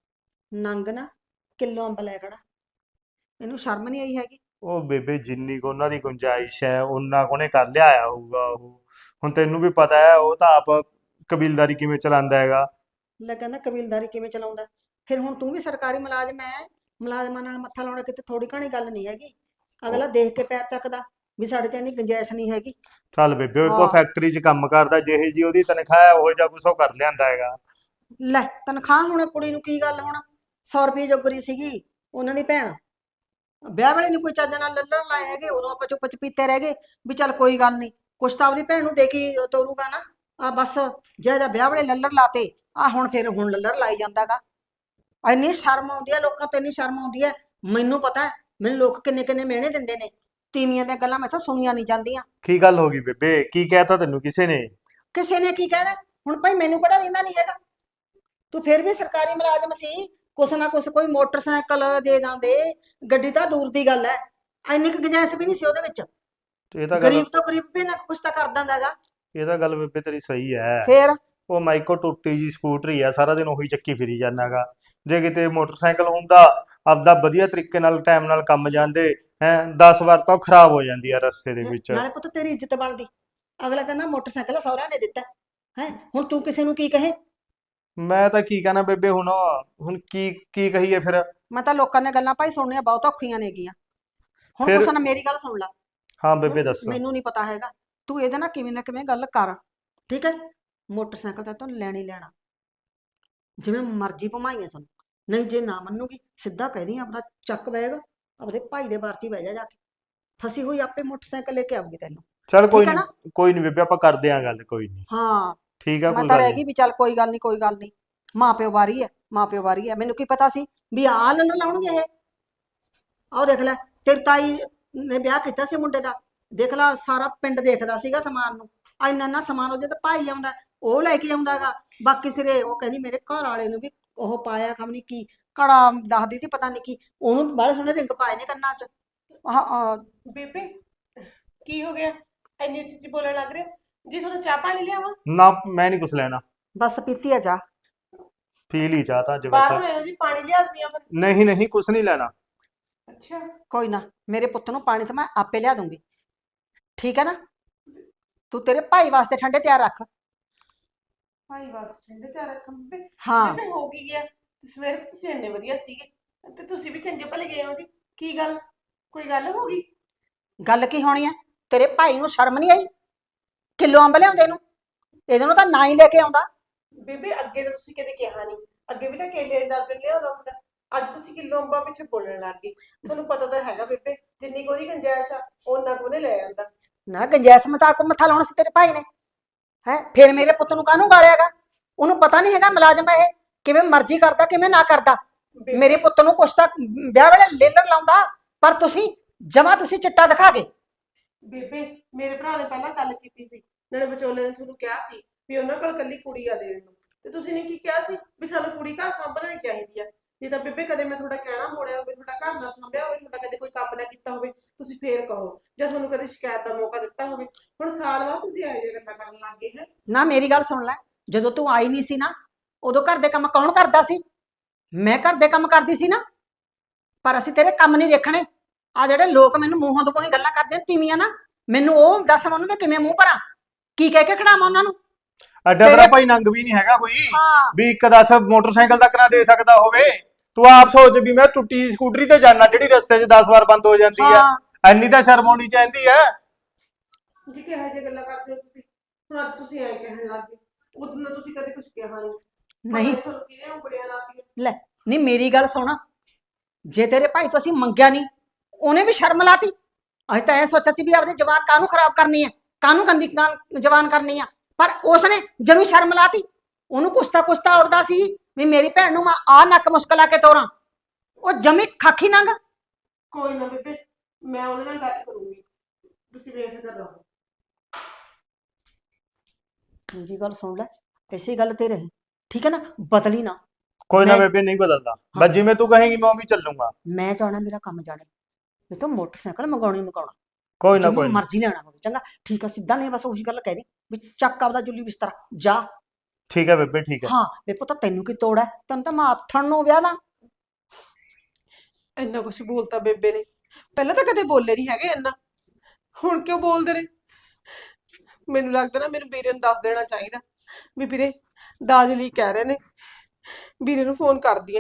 ਨੰਗ ਨਾ ਕਿਲੋ ਅੰਬ ਲੈ ਖੜਾ। ਇਹਨੂੰ ਸ਼ਰਮ ਨਹੀਂ ਆਈ ਹੈਗੀ?
ਉਹ ਬੇਬੇ ਜਿੰਨੀ ਕੁ ਉਹਨਾਂ ਦੀ ਗੁੰਜਾਇਸ਼ ਹੈ ਉਹਨਾਂ ਕੋਨੇ ਕਰ ਲਿਆਇਆ ਹੋਊਗਾ ਉਹ। ਹੁਣ ਤੈਨੂੰ ਵੀ ਪਤਾ ਹੈ ਉਹ ਤਾਂ ਆਪ ਕਬੀਲਦਾਰੀ ਕਿਵੇਂ ਚਲਾਉਂਦਾ ਹੈਗਾ।
ਲੈ ਕਹਿੰਦਾ ਕਬੀਲਦਾਰੀ ਕਿਵੇਂ ਚਲਾਉਂਦਾ? ਫਿਰ ਹੁਣ ਤੂੰ ਵੀ ਸਰਕਾਰੀ ਮੁਲਾਜ਼ਮ ਹੈ, ਮੁਲਾਜ਼ਮਾਂ ਨਾਲ ਮੱਥਾ ਲਾਉਣਾ ਕਿਤੇ ਥੋੜੀ ਘਣੀ ਗੱਲ ਨਹੀਂ ਹੈਗੀ। ਅਗਲਾ ਦੇਖ ਕੇ ਪੈਰ ਚੱਕਦਾ ਵੀ ਸਾਡੇ 'ਚ ਇੰਨੀ ਗੁੰਜਾਇਸ਼ ਨਹੀਂ ਹੈਗੀ।
ਚੱਲ ਬੇਬੇ ਉਹ ਕੋ
ਹਾਂ।
ਫੈਕਟਰੀ 'ਚ ਕੰਮ ਕਰਦਾ, ਜਿਹੇ ਜੀ ਉਹਦੀ ਤਨਖਾਹ ਹੈ ਉਹ ਜਿਹਾ ਕੁਛ ਉਹ ਕਰ ਲਿਆਂਦਾ ਹੈਗਾ।
ਲੈ ਤਨਖਾਹ ਹੁਣ ਕੁੜੀ ਨੂੰ ਕੀ ਗੱਲ, ਹੁਣ 100 ਰੁਪਏ ਜੋਗਰੀ ਸੀਗੀ ਉਹਨਾਂ ਦੀ ਭੈਣ। ਵਿਆਹ ਵੇਲੇ ਨਹੀਂ ਕੋਈ ਚੱਜ ਨਾਲ ਲੱਲਣ ਲਾਏ ਹੈਗੇ, ਉਦੋਂ ਆਪਾਂ ਚੁੱਪ ਚਪੀਤੇ ਰਹਿ ਗਏ ਵੀ ਚੱਲ ਕੋਈ ਗੱਲ ਨਹੀਂ, ਕੁਛ ਤਾਂ ਆਪਣੀ ਭੈਣ ਨੂੰ ਦੇ ਕੇ ਤੋਰੂਗਾ ਨਾ। ਆ ਬਸ ਜਿਹੜਾ ਵਿਆਹ ਵੇਲੇ ਲੱਲਣ ਲਾਤੇ, ਆ ਹੁਣ ਲੱਲਣ ਲਾਈ ਜਾਂਦਾਗਾ। ਇੰਨੀ ਸ਼ਰਮ ਆਉਂਦੀ ਹੈ ਲੋਕਾਂ ਤੋਂ, ਇੰਨੀ ਸ਼ਰਮ ਆਉਂਦੀ ਹੈ। ਮੈਨੂੰ ਪਤਾ ਹੈ, ਮੈਨੂੰ ਲੋਕ ਕਿੰਨੇ ਕਿੰਨੇ ਮਿਹਣੇ ਦਿੰਦੇ ਨੇ। ਤੀਵੀਆਂ ਦੀਆਂ ਗੱਲਾਂ ਮੈਥੋਂ ਸੁਣੀਆਂ ਨਹੀਂ ਜਾਂਦੀਆਂ।
ਕੀ ਗੱਲ ਹੋ ਗਈ ਬੇਬੇ, ਕੀ ਕਹਿਤਾ ਤੈਨੂੰ ਕਿਸੇ ਨੇ?
ਕਿਸੇ ਨੇ ਕੀ ਕਹਿਣਾ? ਹੁਣ ਭਾਈ ਮੈਨੂੰ ਕਿਹੜਾ ਦਿੰਦਾ ਨਹੀਂ ਹੈਗਾ। ਤੂੰ ਫਿਰ ਵੀ ਸਰਕਾਰੀ ਮੁਲਾਜ਼ਮ ਸੀ, ਕੁਛ ਨਾ ਕੁਛ ਕੋਈ ਮੋਟਰਸਾਈਕਲ ਦੇ ਦਿੰਦੇ, ਗੱਡੀ ਤਾਂ ਦੂਰ ਦੀ ਗੱਲ ਹੈ। ਇੰਨੀ ਕੁ ਗੁੰਜਾਇਸ਼ ਵੀ ਨਹੀਂ ਸੀ ਉਹਦੇ ਵਿੱਚ।
ਇਹ ਤਾਂ ਗੱਲ
ਗਰੀਬ ਤੋਂ ਗਰੀਬ ਵੀ ਨਾ ਕੁਛ ਤਾਂ ਕਰ ਦਿੰਦਾ ਹੈਗਾ।
ਇਹ ਤਾਂ ਗੱਲ ਬੇਬੇ ਤੇਰੀ ਸਹੀ ਹੈ।
ਫੇਰ
ਉਹ ਮਾਈਕੋ ਟੁੱਟੀ ਜੀ ਸਕੂਟਰੀ ਆ, ਸਾਰਾ ਦਿਨ ਉਹੀ ਚੱਕੀ ਫਿਰੀ ਜਾਂਦਾਗਾ। ਜੇ ਕਿਤੇ ਮੋਟਰਸਾਈਕਲ ਹੁੰਦਾ ਆਪਦਾ ਵਧੀਆ ਤਰੀਕੇ ਨਾਲ ਟਾਈਮ ਨਾਲ ਕੰਮ ਜਾਂਦੇ ਹੈ, 10 ਵਾਰ ਤਾਂ ਉਹ ਖਰਾਬ ਹੋ ਜਾਂਦੀ ਆ ਰਸਤੇ ਦੇ ਵਿੱਚ।
ਨਾਲੇ ਪੁੱਤ ਤੇਰੀ ਇੱਜ਼ਤ ਬਣਦੀ। ਅਗਲਾ ਕਹਿੰਦਾ ਮੋਟਰਸਾਈਕਲ ਸਹੁਰਿਆਂ ਨੇ ਦਿੱਤਾ ਹੈ, ਹੁਣ ਤੂੰ ਕਿਸੇ ਨੂੰ ਕੀ ਕਹੇ?
ਮੈਂ ਤਾਂ ਕੀ ਕਹਿਣਾ ਬੇਬੇ, ਹੁਣ ਕੀ ਕੀ ਕਹੀਏ ਫਿਰ?
ਮੈਂ ਤਾਂ ਲੋਕਾਂ ਦੀਆਂ ਗੱਲਾਂ ਭਾਈ ਸੁਣਨੀਆਂ ਬਹੁਤ ਔਖੀਆਂ ਨੇਗੀਆਂ। ਹੁਣ
ਫਿਰ-
ਕੁਛ ਨਾ ਮੇਰੀ ਗੱਲ ਸੁਣ ਲੈ।
ਹਾਂ ਬੇਬੇ
ਹੁਣ
ਦੱਸ।
ਮੈਨੂੰ ਨਹੀਂ ਪਤਾ ਹੈਗਾ, ਤੂੰ ਇਹਦੇ ਨਾਲ ਕਿਵੇਂ ਨਾ ਕਿਵੇਂ ਗੱਲ ਕਰ, ਠੀਕ ਹੈ? ਮੋਟਰਸਾਈਕਲ ਤਾਂ ਤੂੰ ਲੈਣਾ ਹੀ ਲੈਣਾ, ਜਿਵੇਂ ਮਰਜ਼ੀ ਭਮਾਈਆਂ ਸਾਨੂੰ। ਨਹੀਂ ਜੇ ਨਾ ਮੰਨੂਗੀ ਸਿੱਧਾ ਕਹਿ ਦੀ ਆਪਦਾ ਚੱਕ ਬੈਗ, ਆਪਦੇ ਭਾਈ ਦੇ ਬਾਰ 'ਚ ਹੀ ਬਹਿ ਜਾ ਕੇ। ਫਸੀ ਹੋਈ ਆਪੇ ਮੋਟਰਸਾਈਕਲ ਲੈ ਕੇ ਆਊਗੀ ਤੈਨੂੰ।
ਚੱਲ ਕੋਈ
ਠੀਕ ਹੈ
ਨਹੀਂ, ਕੋਈ ਨਹੀਂ ਬੇਬੇ, ਆਪਾਂ ਕਰਦੇ ਆਂ ਗੱਲ, ਕੋਈ ਨਹੀਂ।
ਹਾਂ
ਠੀਕ ਆ,
ਮੈਂ
ਕੋਈ
ਤਾਂ
ਗੱਲ
ਰਹਿ
ਨਹੀਂ।
ਗਈ ਵੀ ਚੱਲ ਕੋਈ ਗੱਲ ਨਹੀਂ, ਕੋਈ ਗੱਲ ਨਹੀਂ। ਮਾਂ ਪਿਓ ਵਾਰੀ ਹੈ, ਮਾਂ ਪਿਓ ਵਾਰੀ ਹੈ। ਮੈਨੂੰ ਕੀ ਪਤਾ ਸੀ ਵੀ ਆਹ ਲੱਲਣ ਲਾਉਣਗੇ ਇਹ। ਆਹ ਦੇਖ ਲੈ, ਤੇਰੀ ਤਾਈ ਨੇ ਵਿਆਹ ਕੀਤਾ ਸੀ ਮੁੰਡੇ ਦਾ, ਦੇਖ ਲੈ ਸਾਰਾ ਪਿੰਡ ਦੇਖਦਾ ਸੀਗਾ ਸਮਾਨ ਨੂੰ। ਇੰਨਾ ਇੰਨਾ ਸਮਾਨ ਉਹਦੇ ਤੇ ਭਾਈ ਆਉਂਦਾ, ਉਹ ਲੈ ਕੇ ਆਉਂਦਾਗਾ। ਬਾਕੀ ਸਿਰੇ ਉਹ ਕਹਿੰਦੀ ਮੇਰੇ ਘਰ ਵਾਲੇ ਨੂੰ ਵੀ ਉਹ ਪਾਇਆ, ਖਮ ਨਹੀਂ ਕੀ ਕੜਾ ਦੱਸਦੀ ਸੀ, ਪਤਾ ਨਹੀਂ ਕੀ ਉਹਨੂੰ ਬੜੇ ਸੋਹਣੇ ਰਿੰਗ ਪਾਏ ਨੇ ਕੰਨਾਂ 'ਚ। ਆਹ
ਬੇਬੇ ਕੀ ਹੋ ਗਿਆ, ਇੰਨੀ ਉੱਚੀ ਉੱਚੀ ਬੋਲਣ ਲੱਗ ਰਹੇ ਹੋ? ਜੀ ਤੁਹਾਨੂੰ ਚਾਹ ਪਾਣੀ ਲਿਆਵਾਂ?
ਨਾ ਮੈਂ ਨਹੀਂ ਕੁਛ ਲੈਣਾ,
ਬਸ ਪੀਤੀ ਆ ਜਾ।
ਪੀ ਲਈ ਚਾਹ ਤਾਂ ਅੱਜ
ਬਾਹਰੋਂ
ਵੈਸੇ।
ਆਇਓ ਜੀ, ਪਾਣੀ ਲਿਆ ਦਿੰਦੀ ਆ ਫਿਰ।
ਨਹੀਂ ਨਹੀਂ ਕੁਛ ਨਹੀਂ ਲੈਣਾ।
ਅੱਛਾ
ਕੋਈ ਨਾ, ਮੇਰੇ ਪੁੱਤ ਨੂੰ ਪਾਣੀ ਤਾਂ ਮੈਂ ਆਪੇ ਲਿਆ ਦੂੰਗੀ, ਠੀਕ ਹੈ ਨਾ? ਤੂੰ ਤੇਰੇ ਭਾਈ ਵਾਸਤੇ ਠੰਡੇ ਤਿਆਰ ਰੱਖ।
ਭਾਈ ਬਸ ਠੰਡੇ ਚਾਹ ਰੱਖਾਂ ਬੇਬੇ?
ਹਾਂ
ਬੇਬੇ ਹੋ ਕੀ ਗਿਆ? ਸਵੇਰ ਤੋਂ ਤੁਸੀਂ ਇੰਨੇ ਵਧੀਆ ਸੀਗੇ ਤੇ ਤੁਸੀਂ ਵੀ ਚੰਗੇ ਭਲੇ ਗਏ ਹੋ ਜੀ। ਕੀ ਗੱਲ, ਕੋਈ ਗੱਲ ਹੋ ਗਈ?
ਗੱਲ ਕੀ ਹੋਣੀ ਹੈ? ਤੇਰੇ ਭਾਈ ਨੂੰ ਸ਼ਰਮ ਨਹੀਂ ਆਈ ਕਿਲੋ ਅੰਬ ਲਿਆਉਂਦੇ ਨੂੰ? ਇਹਦੇ ਨੂੰ ਤਾਂ ਨਾ ਹੀ ਲੈ ਕੇ ਆਉਂਦਾ।
ਬੇਬੇ ਅੱਗੇ ਤਾਂ ਤੁਸੀਂ ਕਦੇ ਕਿਹਾ ਨਹੀਂ, ਅੱਗੇ ਵੀ ਤਾਂ ਕੇਲੇ ਦਾ ਦਰਜਨ ਲਿਆਉਂਦਾ ਹੁੰਦਾ। ਅੱਜ ਤੁਸੀਂ ਕਿਲੋ ਅੰਬਾਂ ਪਿੱਛੇ ਬੋਲਣ ਲੱਗ ਗਏ। ਤੁਹਾਨੂੰ ਪਤਾ ਤਾਂ ਹੈਗਾ ਬੇਬੇ, ਜਿੰਨੀ ਕੋਈ ਗੁੰਜਾਇਸ਼ ਆ ਉਹਨਾਂ ਕੋਨੇ ਲੈ ਜਾਂਦਾ।
ਨਾ ਗੁੰਜਾਇਸ਼ ਮਤਾਕ ਮੱਥਾ ਲਾਉਣਾ ਸੀ ਤੇਰੇ ਭਾਈ ਨੇ, ਹੈ? ਫਿਰ ਮੇਰੇ ਪੁੱਤ ਨੂੰ ਕਾਹਨੂੰ ਗਾਲਿਆਗਾ? ਉਹਨੂੰ ਪਤਾ ਨਹੀਂ ਹੈਗਾ ਮੁਲਾਜ਼ਮ ਇਹ ਕਿਵੇਂ ਮਰਜ਼ੀ ਕਰਦਾ ਕਿਵੇਂ ਨਾ ਕਰਦਾ। ਮੇਰੇ ਪੁੱਤ ਨੂੰ ਕੁਛ ਤਾਂ ਵਿਆਹ ਵੇਲੇ ਲੇਲਣ ਲਾਉਂਦਾ, ਪਰ ਤੁਸੀਂ ਜਮਾ ਤੁਸੀਂ ਚਿੱਟਾ ਦਿਖਾ ਗਏ।
ਬੇਬੇ ਮੇਰੇ ਭਰਾ ਨੇ ਪਹਿਲਾਂ ਗੱਲ ਕੀਤੀ ਸੀ, ਨਾਲੇ ਵਿਚੋਲੇ ਨੇ ਤੁਹਾਨੂੰ ਕਿਹਾ ਸੀ ਵੀ ਉਹਨਾਂ ਕੋਲ ਕੱਲੀ ਕੁੜੀ ਆ ਦੇਣ ਨੂੰ, ਤੇ ਤੁਸੀਂ ਨੇ ਕੀ ਕਿਹਾ ਸੀ ਵੀ ਸਾਨੂੰ ਕੁੜੀ ਘਰ ਸਾਂਭਣੀ ਚਾਹੀਦੀ ਆ। ਜੇ ਤਾਂ ਬੇਬੇ ਕਦੇ ਮੈਂ ਤੁਹਾਡਾ ਕਹਿਣਾ ਮੋੜਿਆ ਹੋਵੇ, ਤੁਹਾਡਾ ਘਰ ਨਾ ਸਾਂਭਿਆ ਹੋਵੇ, ਤੁਹਾਡਾ ਕਦੇ ਕੋਈ ਕੰਮ ਨਾ ਕੀਤਾ ਹੋਵੇ, ਤੁਸੀਂ ਫੇਰ ਕਹੋ। ਜਾਂ ਤੁਹਾਨੂੰ ਕਦੇ ਸ਼ਿਕਾਇਤ ਦਾ ਮੌਕਾ ਦਿੱਤਾ ਹੋਵੇ। ਹੁਣ ਸਾਲ ਬਾਅਦ ਤੁਸੀਂ ਇਹੋ ਜਿਹੀਆਂ ਗੱਲਾਂ ਕਰਨ ਲੱਗ ਗਏ ਹੈ।
ਨਾ ਮੇਰੀ ਗੱਲ ਸੁਣ ਲੈ, ਜਦੋਂ ਤੂੰ ਆਈ ਨਹੀਂ ਸੀ ਨਾ, ਉਦੋਂ ਘਰ ਦੇ ਕੰਮ ਕੌਣ ਕਰਦਾ ਸੀ? ਮੈਂ ਘਰ ਦੇ ਕੰਮ ਕਰਦੀ ਸੀ ਨਾ। ਪਰ ਅਸੀਂ ਤੇਰੇ ਕੰਮ ਨਹੀਂ ਦੇਖਣੇ। ਆ ਜਿਹੜੇ ਲੋਕ ਮੈਨੂੰ ਮੂੰਹੋਂ ਤੋਂ ਕੋਈ ਗੱਲਾਂ ਕਰਦੇ ਨੇ ਤੀਵੀਆਂ ਨਾ, ਮੈਨੂੰ ਉਹ ਦੱਸ ਮੈਂ ਉਹਨਾਂ ਦੇ ਕਿਵੇਂ ਮੂੰਹ ਭਰਾਂ, ਕੀ ਕਹਿ ਕੇ ਖੜਾਵਾਂ ਉਹਨਾਂ ਨੂੰ?
ਅੱਡਾ ਤੇਰਾ ਭਾਈ ਨੰਗ ਵੀ ਨਹੀਂ ਹੈਗਾ ਕੋਈ
ਹਾਂ
ਵੀ ਇੱਕ 10 ਮੋਟਰਸਾਈਕਲ ਤੱਕ ਨਾ ਦੇ ਸਕਦਾ ਹੋਵੇ। ਤੂੰ ਆਪ ਸੋਚ ਵੀ ਮੈਂ ਟੁੱਟੀ ਸਕੂਟਰੀ ਤੇ ਜਾਣਾ ਜਿਹੜੀ ਰਸਤੇ 'ਚ 10 ਵਾਰ ਬੰਦ ਹੋ ਜਾਂਦੀ ਹੈ।
ਹਾਂ
ਐਨੀ ਤਾਂ ਸ਼ਰਮ ਆਉਣੀ ਚਾਹੀਦੀ ਹੈ।
ਜੀ ਕਿਹੋ ਜਿਹੀਆਂ ਗੱਲਾਂ ਕਰਦੇ ਹੋ ਤੁਸੀਂ? ਹੁਣ ਅੱਜ ਤੁਸੀਂ ਐਂ ਕਹਿਣ ਲੱਗ ਗਏ, ਉਦੋਂ ਨਾ ਤੁਸੀਂ ਕਦੇ ਕੁਝ ਕਿਹਾ ਨਹੀਂ।
ਨਹੀਂ
ਤੁਹਾਨੂੰ ਕਿਹਨੇ ਉਂਗਲੀਆਂ ਲਾਤੀਆਂ?
ਲੈ ਨਹੀਂ ਮੇਰੀ ਗੱਲ ਸੁਣ, ਜੇ ਤੇਰੇ ਭਾਈ ਤੋਂ ਅਸੀਂ ਮੰਗਿਆ ਨਹੀਂ, ਉਹਨੇ ਵੀ ਸ਼ਰਮ ਲਾਤੀ। ਅਸੀਂ ਤਾਂ ਐ ਸੋਚਿਆ ਸੀ ਵੀ ਆਪਣੀ ਜ਼ਬਾਨ ਕਾਹਨੂੰ ਖਰਾਬ ਕਰਨੀ ਹੈ, ਕਾਹਨੂੰ ਗੰਦੀ ਜ਼ਬਾਨ ਕਰਨੀ ਆ, ਪਰ ਉਸਨੇ ਜਮੀ ਸ਼ਰਮ ਲਾਤੀ। ਉਹਨੂੰ ਕੁਛ ਤਾਂ ਉੜਦਾ ਸੀ ਵੀ ਮੇਰੀ ਭੈਣ ਨੂੰ ਮੈਂ ਆ ਨੱਕ ਮੁਸ਼ਕਲਾ ਕੇ ਤੋਰਾਂ। ਉਹ ਜਮੀ ਖਾਖੀ ਨੰਗ।
ਕੋਈ ਨਾ ਬੇਬੇ, ਮੈਂ ਉਹਦੇ ਨਾਲ ਗੱਲ ਕਰੂੰਗੀ, ਤੁਸੀਂ ਬੇਫਿਕਰ ਰਹੋ।
ਮੇਰੀ ਗੱਲ ਸੁਣ ਲੈ, ਇਸੇ ਗੱਲ ਤੇ ਰਹੀ, ਠੀਕ ਹੈ ਨਾ? ਬਦਲੀ ਨਾ।
ਕੋਈ ਨਾ
ਮੈਂ-
ਬੇਬੇ, ਨਹੀਂ ਬਦਲਦਾ। ਬਸ ਜਿਵੇਂ ਤੂੰ ਕਹੇਂਗੀ ਮੈਂ ਉਵੇਂ ਚੱਲੂੰਗਾ।
ਮੈਂ ਚਾਹਣਾ ਮੇਰਾ ਕੰਮ ਜਾਣੇ, ਇਹ ਤਾਂ ਮੋਟਰਸਾਈਕਲ ਮੰਗਾਉਣਾ
ਕੋਈ ਨਾ
ਜਿੰਨੂੰ
ਕੋਈ ਨਾ।
ਮਰਜ਼ੀ ਲੈਣਾ ਹੋਵੇ। ਚੰਗਾ ਠੀਕ ਆ, ਸਿੱਧਾ ਨਹੀਂ, ਬਸ ਉਹੀ ਗੱਲ ਕਹਿ ਦੇ ਵੀ ਚੱਕ ਆਪਦਾ ਜੁੱਲੀ ਬਿਸਤਰਾ ਜਾ।
ਠੀਕ ਹੈ ਬੇਬੇ, ਠੀਕ ਹੈ।
ਹਾਂ ਵੇ ਪੁੱਤ, ਤੈਨੂੰ ਕੀ ਤੋੜ ਹੈ? ਤੈਨੂੰ ਤਾਂ ਮੈਂ ਆਥਣ ਨੂੰ ਵਿਆਹ ਦਾਂ।
ਇੰਨਾ ਕੁਛ ਬੋਲਤਾ ਬੇਬੇ ਨੇ, ਪਹਿਲਾਂ ਤਾਂ ਕਦੇ ਬੋਲੇ ਨਹੀਂ ਹੈਗੇ ਇੰਨਾ, ਹੁਣ ਕਿਉਂ ਬੋਲਦੇ ਨੇ? ਮੈਨੂੰ ਲੱਗਦਾ ਨਾ ਮੈਨੂੰ ਵੀਰੇ ਨੂੰ ਦੱਸ ਦੇਣਾ ਚਾਹੀਦਾ ਵੀ ਵੀਰੇ ਦਾਜ ਲਈ ਕਹਿ ਰਹੇ ਨੇ। ਵੀਰੇ ਨੂੰ ਫੋਨ ਕਰਦੀ ਆ।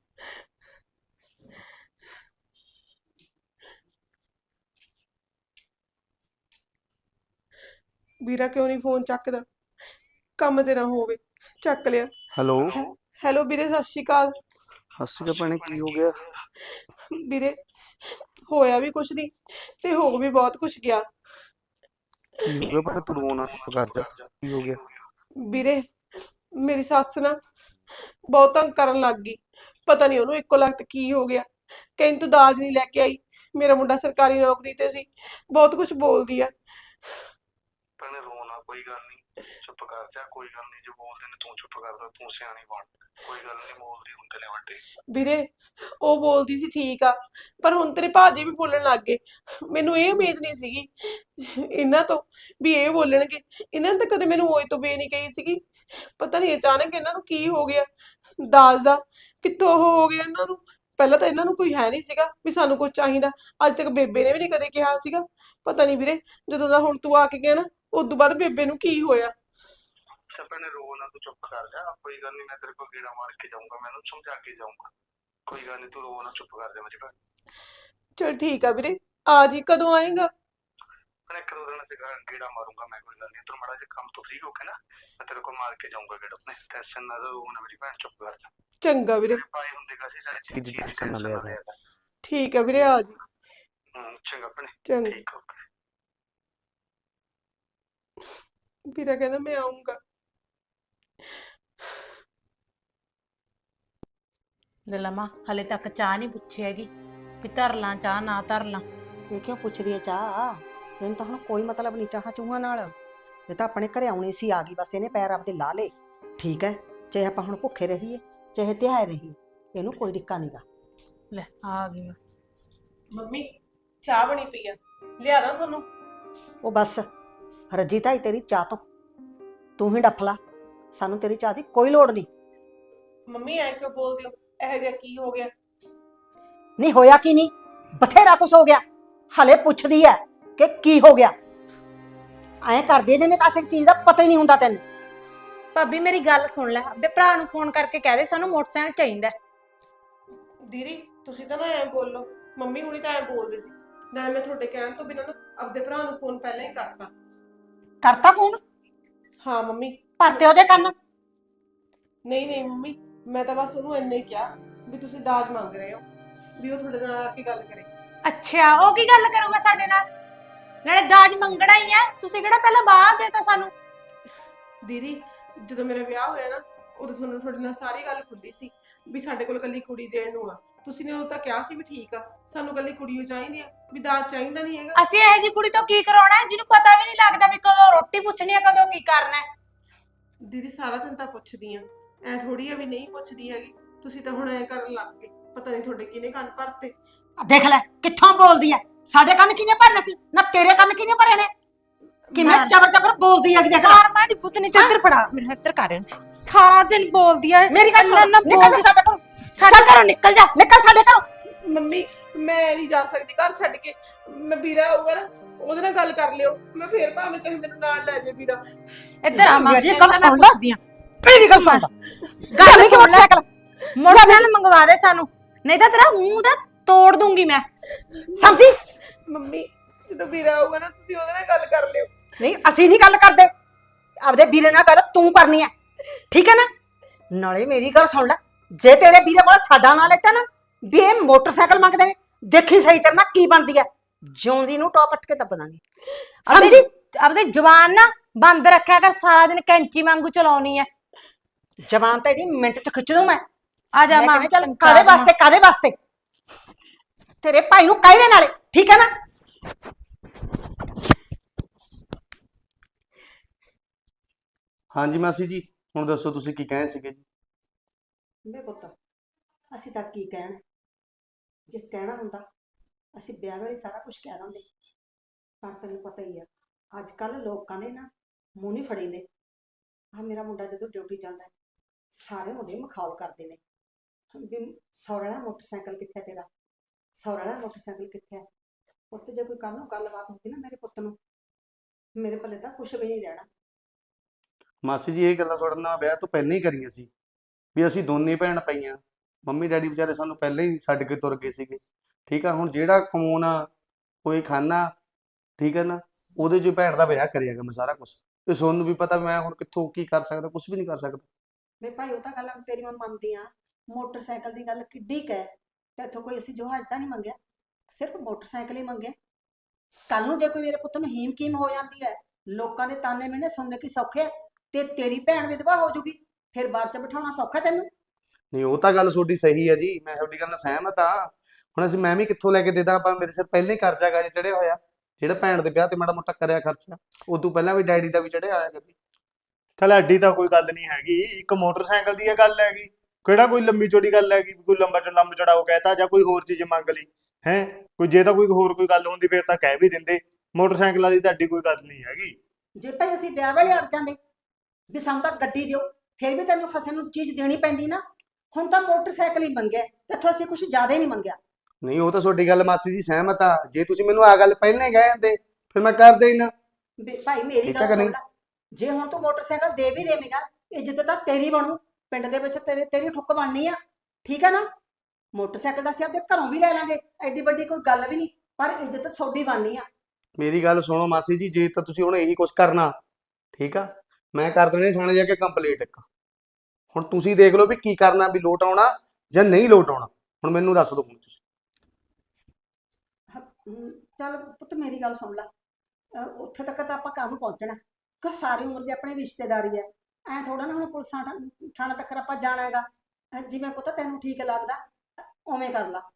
ਵੀਰਾ ਕਿਉਂ ਨਹੀਂ ਫੋਨ ਚੱਕਦਾ? ਕੰਮ ਤੇ ਨਾ ਹੋਵੇ। ਚੱਕ ਲਿਆ।
ਹੈਲੋ,
ਹੈਲੋ ਵੀਰੇ, ਸਤਿ ਸ਼੍ਰੀ ਅਕਾਲ।
ਹੱਸੀ ਭੈਣੇ, ਕੀ ਹੋ ਗਿਆ?
ਵੀਰੇ ਹੋਇਆ ਵੀ ਕੁਛ ਨਹੀਂ ਤੇ ਹੋ ਵੀ ਬਹੁਤ ਕੁਛ ਗਿਆ।
ਕੀ ਹੋ ਗਿਆ ਭੈਣੇ? ਤੂੰ ਰੋਣਾ ਚੁੱਪ ਕਰ ਜਾ। ਕੀ ਹੋ ਗਿਆ?
ਵੀਰੇ ਮੇਰੀ ਸੱਸ ਨਾ ਬਹੁਤ ਤੰਗ ਕਰਨ ਲੱਗ ਗਈ। ਪਤਾ ਨਹੀਂ ਉਹਨੂੰ ਇੱਕੋ ਲਗਤ ਕੀ ਹੋ ਗਿਆ। ਕਹਿੰਦੀ ਤੂੰ ਦਾਜ ਨਹੀਂ ਲੈ ਕੇ ਆਈ। ਮੇਰਾ ਮੁੰਡਾ ਸਰਕਾਰੀ ਨੌਕਰੀ ਤੇ ਸੀ। ਬਹੁਤ ਕੁਝ ਬੋਲਦੀ ਆ।
ਭੈਣੇ ਰੋਣਾ, ਕੋਈ ਗੱਲ ਨਹੀਂ, ਚੁੱਪ ਕਰ ਜਾ। ਕੋਈ ਗੱਲ ਨਹੀਂ, ਜੇ ਬੋਲਦੇ ਨੇ ਤੂੰ ਚੁੱਪ ਕਰ ਜਾ, ਤੂੰ ਸਿਆਣੀ ਬਣ। ਕੋਈ ਗੱਲ ਨਹੀਂ, ਬੋਲਦੀ ਹੁੰਦੇ ਨੇ ਵੱਡੇ।
ਵੀਰੇ ਉਹ ਬੋਲਦੀ ਸੀ ਠੀਕ ਆ, ਪਰ ਹੁਣ ਤੇਰੇ ਭਾਜੀ ਵੀ ਬੋਲਣ ਲੱਗ ਗਏ। ਮੈਨੂੰ ਇਹ ਉਮੀਦ ਨਹੀਂ ਸੀਗੀ ਇਹਨਾਂ ਤੋਂ ਵੀ ਇਹ ਬੋਲਣਗੇ। ਇਹਨਾਂ ਨੇ ਤਾਂ ਕਦੇ ਮੈਨੂੰ ਓਏ ਤੋਂ ਬੇ ਨਹੀਂ ਕਹੀ ਸੀਗੀ। ਪਤਾ ਨਹੀਂ ਅਚਾਨਕ ਇਹਨਾਂ ਨੂੰ ਕੀ ਹੋ ਗਿਆ। ਦਾਜ ਦਾ ਕਿੱਥੋਂ ਉਹ ਹੋ ਗਿਆ ਇਹਨਾਂ ਨੂੰ। ਪਹਿਲਾਂ ਤਾਂ ਇਹਨਾਂ ਨੂੰ ਕੋਈ ਹੈ ਨਹੀਂ ਸੀਗਾ ਵੀ ਸਾਨੂੰ ਕੁਝ ਚਾਹੀਦਾ। ਅੱਜ ਤੱਕ ਬੇਬੇ ਨੇ ਵੀ ਨਹੀਂ ਕਦੇ ਕਿਹਾ ਸੀਗਾ। ਪਤਾ ਨਹੀਂ ਵੀਰੇ, ਜਦੋਂ ਦਾ ਹੁਣ ਤੂੰ ਆ ਕੇ ਗਿਆ ਨਾ, ਉਸ ਤੋਂ ਬਾਅਦ ਬੇਬੇ ਨੂੰ ਕੀ ਹੋਇਆ।
ਭੈਣੇ ਰੋ ਨਾ, ਤੂੰ ਚੁੱਪ ਕਰ ਜਾ। ਕੋਈ ਗੱਲ ਨਹੀਂ, ਮੈਂ ਤੇਰੇ ਕੋਲ ਗੇੜਾ ਮਾਰ ਕੇ ਜਾਊਂਗਾ, ਮੈਨੂੰ ਸਮਝਾ ਕੇ ਜਾਊਂਗਾ। ਕੋਈ ਗੱਲ ਨਹੀਂ, ਤੂੰ ਰੋ ਨਾ, ਚੁੱਪ ਕਰ ਜਾ ਮੇਰੀ ਭੈਣ।
ਚਲ ਠੀਕ ਆ ਵੀਰੇ, ਆ ਜੀ। ਕਦੋਂ ਆਏਗਾ?
ਭੈਣੇ ਇੱਕ ਦੋ ਦਿਨ ਤੇ ਗੇੜਾ ਮਾਰੂੰਗਾ ਮੈਂ। ਕੋਈ ਗੱਲ ਨਹੀਂ, ਤੂੰ ਮਾੜਾ ਜਿਹਾ ਕੰਮ ਤੋਂ ਫ੍ਰੀ ਹੋ ਕੇ ਨਾ ਮੈਂ ਤੇਰੇ ਕੋਲ ਮਾਰ ਕੇ ਜਾਊਂਗਾ ਗੇੜਾ। ਆਪਣੇ ਟੈਨਸ਼ਨ ਨਾ ਲਓ ਨਾ ਮੇਰੀ ਭੈਣ, ਚੁੱਪ ਕਰ ਜਾ।
ਚੰਗਾ ਵੀਰੇ,
ਪਾਏ ਹੁੰਦੇ ਕਾਸੀ ਸਾਰੇ ਚੀਜ਼ ਦੀ ਟੈਨਸ਼ਨ ਨਾ ਲਿਆ ਕਰ।
ਠੀਕ ਆ ਵੀਰੇ, ਆ ਜੀ।
ਚੰਗਾ ਭੈਣੇ,
ਚੰਗਾ।
ਠੀਕ ਹੋ।
ਵੀਰਾ ਕਹਿੰਦਾ ਮੈਂ ਆਉਂਗਾ।
ਲਲਮਾ ਹਲੇ ਤੱਕ ਚਾਹ ਨਹੀਂ ਪੁੱਛੀ ਹੈਗੀ ਵੀ ਧਰ ਲਾਂ ਚਾਹ ਨਾ ਧਰ ਲਾਂ।
ਇਹ ਕਿਉਂ ਪੁੱਛਦੀ ਹੈ ਚਾਹ? ਇਹਨੂੰ ਤਾਂ ਹੁਣ ਕੋਈ ਮਤਲਬ ਨਹੀਂ ਚਾਹ ਚੂਹਾਂ ਨਾਲ। ਇਹ ਤਾਂ ਆਪਣੇ ਘਰੇ ਆਉਣੀ ਸੀ, ਆ ਗਈ, ਬਸ ਇਹਨੇ ਪੈਰ ਆਪਦੇ ਲਾ ਲੇ। ਠੀਕ ਹੈ, ਚਾਹੇ ਆਪਾਂ ਹੁਣ ਭੁੱਖੇ ਰਹੀਏ ਚਾਹੇ ਧਿਆਏ ਰਹੀਏ, ਇਹਨੂੰ ਕੋਈ ਡਿੱਕਾ ਨਹੀਂਗਾ।
ਲੈ ਆ ਗਈ ਮੈਂ।
ਮੰਮੀ ਚਾਹ ਬਣੀ ਪਈ ਆ, ਲਿਆ ਦਾਂ ਤੁਹਾਨੂੰ?
ਉਹ ਬਸ ਰੱਜੀ ਤਾਈ ਤੇਰੀ ਚਾਹ ਤੋਂ, ਤੂੰ ਹੀ ਡੱਫ ਲਾ। ਸਾਨੂੰ ਤੇਰੀ ਚਾਹ ਦੀ ਕੋਈ ਲੋੜ ਨਹੀਂ।
ਮੰਮੀ ਐ ਕਿਉਂ ਬੋਲਦੇ ਹੋ? ਇਹੋ ਜਿਹਾ ਕੀ ਹੋ ਗਿਆ?
ਨਹੀਂ ਹੋਇਆ ਕੀ ਨਹੀਂ, ਬਥੇਰਾ ਕੁਛ ਹੋ ਗਿਆ। ਹਲੇ ਪੁੱਛਦੀ ਐ ਕਿ ਕੀ ਹੋ ਗਿਆ। ਐਂ ਕਰਦੀ ਐ ਜਿਵੇਂ ਕਿਸੇ ਚੀਜ਼ ਦਾ ਪਤਾ ਹੀ ਨਹੀਂ ਹੁੰਦਾ ਤੈਨੂੰ।
ਭਾਬੀ ਮੇਰੀ ਗੱਲ ਸੁਣ ਲੈ, ਆਪਣੇ ਭਰਾ ਨੂੰ ਫੋਨ ਕਰਕੇ ਕਹਿ ਦੇ ਸਾਨੂੰ ਮੋਟਰਸਾਈਕਲ ਚਾਹੀਦਾ।
ਦੀਦੀ ਤੁਸੀਂ ਤਾਂ ਨਾ ਐ ਬੋਲੋ। ਮੰਮੀ ਹੁਣੀ ਤਾਂ ਐ ਬੋਲਦੇ ਸੀ। ਨਾ ਮੈਂ ਤੁਹਾਡੇ ਕਹਿਣ ਤੋਂ ਬਿਨਾਂ ਨਾ ਆਪਦੇ ਭਰਾ ਨੂੰ ਫੋਨ ਪਹਿਲਾਂ ਹੀ ਕਰਤਾ।
ਕਰਤਾ ਫੋਨ?
ਹਾਂ ਮੰਮੀ।
ਭਰਤੇ ਉਹਦੇ ਕੰਨ?
ਨਹੀਂ ਨਹੀਂ ਮੰਮੀ, ਮੈਂ ਤਾਂ ਬਸ ਉਹਨੂੰ ਇੰਨੇ ਹੀ ਕਿਹਾ ਵੀ ਤੁਸੀਂ ਦਾਜ ਮੰਗ ਰਹੇ ਹੋ, ਵੀ ਉਹ ਤੁਹਾਡੇ ਨਾਲ ਆ ਕੇ ਗੱਲ ਕਰੇ।
ਅੱਛਾ, ਉਹ ਕੀ ਗੱਲ ਕਰੂਗਾ ਸਾਡੇ ਨਾਲ? ਨਾਲੇ ਦਾਜ ਮੰਗਣਾ ਹੀ ਹੈ, ਤੁਸੀਂ ਕਿਹੜਾ ਪਹਿਲਾਂ ਬਾਹਰ ਦੇਤਾ ਸਾਨੂੰ?
ਦੀਦੀ ਜਦੋਂ ਮੇਰਾ ਵਿਆਹ ਹੋਇਆ ਨਾ, ਉਦੋਂ ਤੁਹਾਨੂੰ ਤੁਹਾਡੇ ਨਾਲ ਸਾਰੀ ਗੱਲ ਖੁੱਲੀ ਸੀ ਵੀ ਸਾਡੇ ਕੋਲ ਕੱਲੀ ਕੁੜੀ ਦੇਣ ਨੂੰ ਆ। ਤੁਸੀਂ ਨੇ ਉਦੋਂ ਤਾਂ ਕਿਹਾ ਸੀ ਵੀ ਠੀਕ ਆ, ਸਾਨੂੰ ਕੱਲੀ ਕੁੜੀ ਓ ਚਾਹੀਦੀ ਆ, ਵੀ ਦਾਜ ਚਾਹੀਦਾ ਨਹੀਂ ਹੈਗਾ।
ਅਸੀਂ ਇਹੋ ਜੀ ਕੁੜੀ ਤੋਂ ਕੀ ਕਰਾਉਣਾ ਹੈ ਜਿਹਨੂੰ ਪਤਾ ਵੀ ਨਹੀਂ ਲੱਗਦਾ ਵੀ ਕਦੋਂ ਰੋਟੀ ਪੁੱਛਣੀ ਹੈ, ਕਦੋਂ ਕੀ ਕਰਨਾ ਹੈ।
ਦੀਦੀ ਸਾਰਾ ਦਿਨ ਤਾਂ ਪੁੱਛਦੀ ਆ, ਐ ਥੋੜੀ ਆ ਵੀ ਨਹੀਂ ਪੁੱਛਦੀ ਹੈਗੀ। ਤੁਸੀਂ ਤਾਂ ਹੁਣ ਐ ਕਰਨ ਲੱਗ ਗਏ, ਪਤਾ ਨਹੀਂ ਤੁਹਾਡੇ ਕਿਹਨੇ ਕੰਨ ਭਰਤੇ।
ਦੇਖ ਲੈ ਕਿੱਥੋਂ ਬੋਲਦੀ ਐ। ਸਾਡੇ ਕੰਨ ਕਿਹਨੇ ਭਰਨੇ ਸੀ ਨਾ ਤੇਰੇ ਕੰਨ ਕਿਹਨੇ ਭਰੇ ਨੇ? ਕਿਵੇਂ ਜ਼ਬਰ ਜ਼ਬਰ ਬੋਲਦੀ ਆ ਕਿ ਦੇਖ ਲੈ।
ਮਾਂ ਦੀ ਪੁੱਤ ਨੇ ਚੱਦਰ ਫੜਾ ਮੈਨੂੰ ਇੱਧਰ ਕਰ। ਸਾਰਾ ਦਿਨ ਬੋਲਦੀ ਹੈ।
ਮੇਰੀ ਗੱਲ ਸੁਣ,
ਨਾ
ਨਿਕਲ ਜਾ ਸਾਡੇ ਘਰੋਂ।
ਸਾਡੇ ਘਰੋਂ ਨਿਕਲ ਜਾ।
ਨਿਕਲ ਸਾਡੇ ਘਰੋਂ।
ਮੰਮੀ ਮੈਂ ਨਹੀਂ ਜਾ ਸਕਦੀ ਘਰ ਛੱਡ ਕੇ। ਮੈਂ ਵੀਰਾ ਆਊਗਾ ਨਾ, ਉਹਦੇ ਨਾਲ ਗੱਲ ਕਰ ਲਿਓ। ਮੈਂ ਫੇਰ ਭਾਵੇਂ ਚਾਹੇ ਮੈਨੂੰ ਨਾਲ ਲੈ ਜਾਏ ਵੀਰਾ।
ਇੱਧਰ ਆ ਮਾਂ,
ਮੇਰੀ
ਤੈਨੂੰ
ਗੱਲ
ਤਾਂ ਮੈਂ
ਸੁਣ ਲੈ।
ਪੁੱਛਦੀ ਆਂ।
ਮੇਰੀ ਗੱਲ ਸੁਣ।
ਗੱਲ
ਨਹੀਂ ਕਿ ਮੋਟਰਸਾਈਕਲ
ਮੋਟਰਸਾਈਕਲ ਮੰਗਵਾ ਦੇ ਸਾਨੂੰ, ਨਹੀਂ ਤਾਂ ਤੇਰਾ ਮੂੰਹ ਦਾ ਤੋੜ ਦੂੰਗੀ ਮੈਂ।
ਸਮਝੀ?
ਮੰਮੀ ਜਦੋਂ ਵੀਰਾ ਆਊਗਾ ਨਾ, ਤੁਸੀਂ ਉਹਦੇ ਨਾਲ ਗੱਲ ਕਰ ਲਿਓ।
ਨਹੀਂ ਅਸੀਂ ਨਹੀਂ ਗੱਲ ਕਰਦੇ, ਆਪਦੇ ਵੀਰੇ ਨਾਲ ਗੱਲ ਤੂੰ ਕਰਨੀ ਐ, ਠੀਕ ਹੈ ਨਾ? ਨਾਲੇ ਮੇਰੀ ਗੱਲ ਸੁਣ ਲੈ, ਜੇ ਤੇਰੇ ਵੀਰੇ ਕੋਲ ਸਾਡਾ ਨਾਂ ਲੈਤਾ ਨਾ ਵੀ ਇਹ ਮੋਟਰਸਾਈਕਲ ਮੰਗਦੇ ਨੇ, ਦੇਖੀ ਸਹੀ ਤੇਰੇ ਨਾਲ ਕੀ ਬਣਦੀ ਐ। ਜਿਉਂਦੀ ਨੂੰ ਟੌਪ ਅੱਟ ਕੇ ਦੱਬ ਦਾਂਗੇ, ਸਮਝੀ?
ਆਪਦੇ ਜਵਾਨ ਨਾ ਬੰਦ ਰੱਖਿਆ ਕਰ, ਸਾਰਾ ਦਿਨ ਕੈਂਚੀ ਵਾਂਗੂ ਚਲਾਉਣੀ ਐ।
ਜਵਾਨ ਤਾਂ ਇਹਦੀ ਮਿੰਟ ਚ ਖਿੱਚ ਦੂੰ ਮੈਂ।
ਆ ਜਾ
ਮੈਂ
ਮਾਂ,
ਕਹਿੰਦੀ ਚੱਲ
ਤੈਨੂੰ
ਕਾਦੇ
ਚਾਹ
ਵਾਸਤੇ ਕਾਦੇ ਵਾਸਤੇ ਤੇਰੇ ਭਾਈ ਨੂੰ ਕਹਿ ਦੇ ਨਾਲੇ, ਠੀਕ ਹੈ ਨਾ।
ਹਾਂਜੀ ਮਾਸੀ ਜੀ, ਹੁਣ ਦੱਸੋ ਤੁਸੀਂ ਕੀ ਕਹੇ ਸੀਗੇ ਜੀ?
ਬੇ ਪੁੱਤ, ਅਸੀਂ ਤਾਂ ਕੀ ਕਹਿਣਾ, ਜੇ ਕਹਿਣਾ ਹੁੰਦਾ ਅਸੀਂ ਵਿਆਹ ਵੇਲੇ ਸਾਰਾ ਕੁਝ ਕਹਿ ਦਿੰਦੇ, ਪਰ ਤੈਨੂੰ ਪਤਾ ਹੀ ਆ ਅੱਜ ਕੱਲ ਲੋਕਾਂ ਦੇ ਨਾ ਮੂੰਹ ਨਹੀਂ ਫੜੀਂਦੇ। ਆ ਮੇਰਾ ਮੁੰਡਾ ਜਦੋਂ ਡਿਊਟੀ ਜਾਂਦਾ ਹੈ, ਸਾਰੇ ਮੁੰਡੇ ਮਖੌਲ ਕਰਦੇ ਨੇ ਵੀ ਸੌਰੇ ਵਾਲਾ ਮੋਟਰਸਾਈਕਲ ਕਿੱਥੇ ਤੇਰਾ, ਸੌਰੇ ਵਾਲਾ ਮੋਟਰਸਾਈਕਲ ਕਿੱਥੇ ਹੈ। ਪੁੱਤ ਜੇ ਕੋਈ ਕੱਲ ਨੂੰ ਗੱਲਬਾਤ ਹੋਊਗੀ ਨਾ ਮੇਰੇ ਪੁੱਤ ਨੂੰ, ਮੇਰੇ ਪੱਲੇ ਤਾਂ ਕੁਝ ਵੀ ਨਹੀਂ ਰਹਿਣਾ।
ਮਾਸੀ ਜੀ, ਇਹ ਗੱਲਾਂ ਤੁਹਾਡੇ ਨਾਲ ਵਿਆਹ ਤੋਂ ਪਹਿਲਾਂ ਹੀ ਕਰੀਆਂ ਸੀ ਵੀ ਅਸੀਂ ਦੋਨੇ ਭੈਣ ਪਈਆਂ। ਮੰਮੀ ਡੈਡੀ ਵਿਚਾਰੇ ਸਾਨੂੰ ਪਹਿਲਾਂ ਹੀ ਛੱਡ ਕੇ ਤੁਰ ਗਏ ਸੀਗੇ, ਠੀਕ ਆ। ਹੁਣ ਜਿਹੜਾ ਕਮਾਉਣਾ ਕੋਈ ਖਾਣਾ, ਠੀਕ ਹੈ ਨਾ, ਉਹਦੇ 'ਚ ਭੈਣ ਦਾ ਵਿਆਹ ਕਰਿਆਗਾ ਮੈਂ ਸਾਰਾ ਕੁਝ। ਤੇ ਤੁਹਾਨੂੰ ਵੀ ਪਤਾ ਮੈਂ ਹੁਣ ਕਿੱਥੋਂ ਕੀ ਕਰ ਸਕਦਾ, ਕੁਝ ਵੀ ਨਹੀਂ ਕਰ ਸਕਦਾ।
ਵੇ ਭਾਈ ਉਹ ਤਾਂ ਗੱਲ ਤੇਰੀ ਮੈਂ ਮੰਨਦੀ ਆ, ਮੋਟਰਸਾਈਕਲ ਦੀ ਗੱਲ ਕਿੱਡੀ ਕੁ ਹੈ, ਤੇ ਇੱਥੋਂ ਕੋਈ ਅਸੀਂ ਜਹਾਜ਼ ਤਾਂ ਨਹੀਂ ਮੰਗਿਆ, ਸਿਰਫ ਮੋਟਰਸਾਈਕਲ ਹੀ ਮੰਗਿਆ। ਕੱਲ ਨੂੰ ਜੇ ਕੋਈ ਮੇਰੇ ਪੁੱਤ ਨੂੰ ਹੀਮ ਕੀਮ ਹੋ ਜਾਂਦੀ ਹੈ, ਲੋਕਾਂ ਦੇ ਤਾਨੇ ਮੈਨੇ ਸੁਣਨੇ ਕੀ ਸੌਖੇ ਆ, ਤੇ ਤੇਰੀ ਭੈਣ ਵਿਧਵਾ ਹੋ ਜੂਗੀ, ਫਿਰ ਬਾਅਦ ਚ ਬਿਠਾਉਣਾ ਸੌਖਾ ਤੈਨੂੰ।
ਨਹੀਂ, ਉਹ ਤਾਂ ਗੱਲ ਤੁਹਾਡੀ ਸਹੀ ਹੈ ਜੀ, ਮੈਂ ਤੁਹਾਡੀ ਗੱਲ ਨਾਲ ਸਹਿਮਤ ਆ। ਹੁਣ ਮੈਂ ਵੀ ਕਿੱਥੋਂ ਲੈ ਕੇ ਦੇ ਦਾਂ, ਆਪਾਂ ਮੇਰੇ ਸਿਰ ਪਹਿਲਾਂ ਹੀ ਕਰਜ਼ਾ ਗਾ ਚੜਿਆ ਹੋਇਆ, ਜਿਹੜਾ ਭੈਣ ਦੇ ਵਿਆਹ ਤੇ ਮਾੜਾ ਮੋਟਾ ਕਰਿਆ ਖਰਚਾ, ਉਦੋਂ ਪਹਿਲਾਂ ਵੀ ਡੈਡੀ ਦਾ ਵੀ ਚੜਿਆ ਆਇਆ ਸੀ।
ਚੱਲ ਐਡੀ ਤਾਂ ਕੋਈ ਗੱਲ ਨਹੀਂ ਹੈਗੀ, ਇੱਕ ਮੋਟਰਸਾਈਕਲ ਦੀ ਇਹ ਗੱਲ ਹੈਗੀ, ਕਿਹੜਾ ਕੋਈ ਲੰਮੀ ਚੌੜੀ ਗੱਲ ਹੈਗੀ, ਕੋਈ ਲੰਬਾ ਚੜਾਓ ਕਹਿਤਾ ਜਾਂ ਕੋਈ ਹੋਰ ਚੀਜ਼ ਮੰਗ ਲਈ ਹੈ। ਕੋਈ ਜੇ ਤਾਂ ਕੋਈ ਹੋਰ ਕੋਈ ਗੱਲ ਹੁੰਦੀ ਫਿਰ ਤਾਂ ਕਹਿ ਵੀ ਦਿੰਦੇ, ਮੋਟਰਸਾਈਕਲ ਵਾਲੀ ਤਾਂ ਐਡੀ ਕੋਈ ਗੱਲ ਨਹੀਂ ਹੈਗੀ।
ਜੇ ਭਾਈ ਅਸੀਂ ਵਿਆਹ ਵੇਲੇ ਅੜ ਜਾਂਦੇ ਵੀ ਸਾਨੂੰ ਤਾਂ ਗੱਡੀ ਦਿਓ, ਫਿਰ ਵੀ ਤੈਨੂੰ ਫਸੇ ਨੂੰ ਚੀਜ਼ ਦੇਣੀ ਪੈਂਦੀ ਨਾ। ਹੁਣ ਤਾਂ ਮੋਟਰਸਾਈਕਲ ਹੀ ਮੰਗਿਆ, ਤੇ ਇੱਥੋਂ ਅਸੀਂ ਕੁਝ ਜ਼ਿਆਦਾ ਹੀ ਨਹੀਂ ਮੰਗਿਆ।
ਨਹੀਂ, ਉਹ ਤਾਂ ਤੁਹਾਡੀ ਗੱਲ ਮਾਸੀ ਜੀ ਸਹਿਮਤ ਆ, ਜੇ ਤੁਸੀਂ ਮੈਨੂੰ ਆ ਗੱਲ ਪਹਿਲਾਂ ਹੀ ਕਹਿ ਜਾਂਦੇ ਫਿਰ ਮੈਂ ਕਰਦੇ ਹੀ ਨਾ।
ਭਾਈ ਮੇਰੀ
ਠੀਕ
ਗੱਲ
ਆ ਕਿ
ਸੁਣ
ਨਹੀਂ?
ਲੈ, ਜੇ ਹੁਣ ਤੂੰ ਮੋਟਰਸਾਈਕਲ ਦੇ ਵੀ ਦੇਵੇਂਗਾ, ਇੱਜ਼ਤ ਤਾਂ ਤੇਰੀ ਬਣੂ, ਪਿੰਡ ਦੇ ਵਿੱਚ ਤੇਰੀ ਠੁੱਕ ਬਣਨੀ ਆ, ਠੀਕ ਆ ਨਾ। ਮੋਟਰਸਾਈਕਲ ਦਾ ਅਸੀਂ ਆਪਦੇ ਘਰੋਂ ਵੀ ਲੈ ਲਾਂਗੇ, ਐਡੀ ਵੱਡੀ ਕੋਈ ਗੱਲ ਵੀ ਨਹੀਂ, ਪਰ ਇੱਜ਼ਤ ਤੁਹਾਡੀ ਬਣਨੀ ਆ।
ਮੇਰੀ ਗੱਲ ਸੁਣੋ ਮਾਸੀ ਜੀ, ਜੇ ਤਾਂ ਤੁਸੀਂ ਹੁਣ ਇਹੀ ਕੁਝ ਕਰਨਾ, ਠੀਕ ਆ, ਮੈਂ ਕਰ ਦੇਣੀ ਥਾਣੇ ਜਾ ਕੇ ਕੰਪਲੀਟ ਇੱਕ। ਹੁਣ ਤੁਸੀਂ ਦੇਖ ਲਓ ਵੀ ਕੀ ਕਰਨਾ, ਵੀ ਲੋਟ ਆਉਣਾ ਜਾਂ ਨਹੀਂ ਲੋਟ ਆਉਣਾ, ਹੁਣ ਮੈਨੂੰ ਦੱਸ ਦਿਓ ਹੁਣ ਤੁਸੀਂ।
ਚੱਲ ਪੁੱਤ ਮੇਰੀ ਗੱਲ ਸੁਣ ਲੈ, ਉੱਥੇ ਤੱਕ ਤਾਂ ਆਪਾਂ ਕੰਮ ਪਹੁੰਚਣਾ, ਕਿ ਸਾਰੀ ਉਮਰ ਦੀ ਆਪਣੀ ਰਿਸ਼ਤੇਦਾਰੀ ਹੈ, ਐ ਥੋੜਾ ਨਾ ਹੁਣ ਪੁਲਿਸਾਂ ਥਾਣਾ ਤੱਕ ਆਪਾਂ ਜਾਣਾ ਹੈਗਾ। ਜਿਵੇਂ ਪੁੱਤ ਤੈਨੂੰ ਠੀਕ ਲੱਗਦਾ ਉਵੇਂ ਕਰ ਲਾ।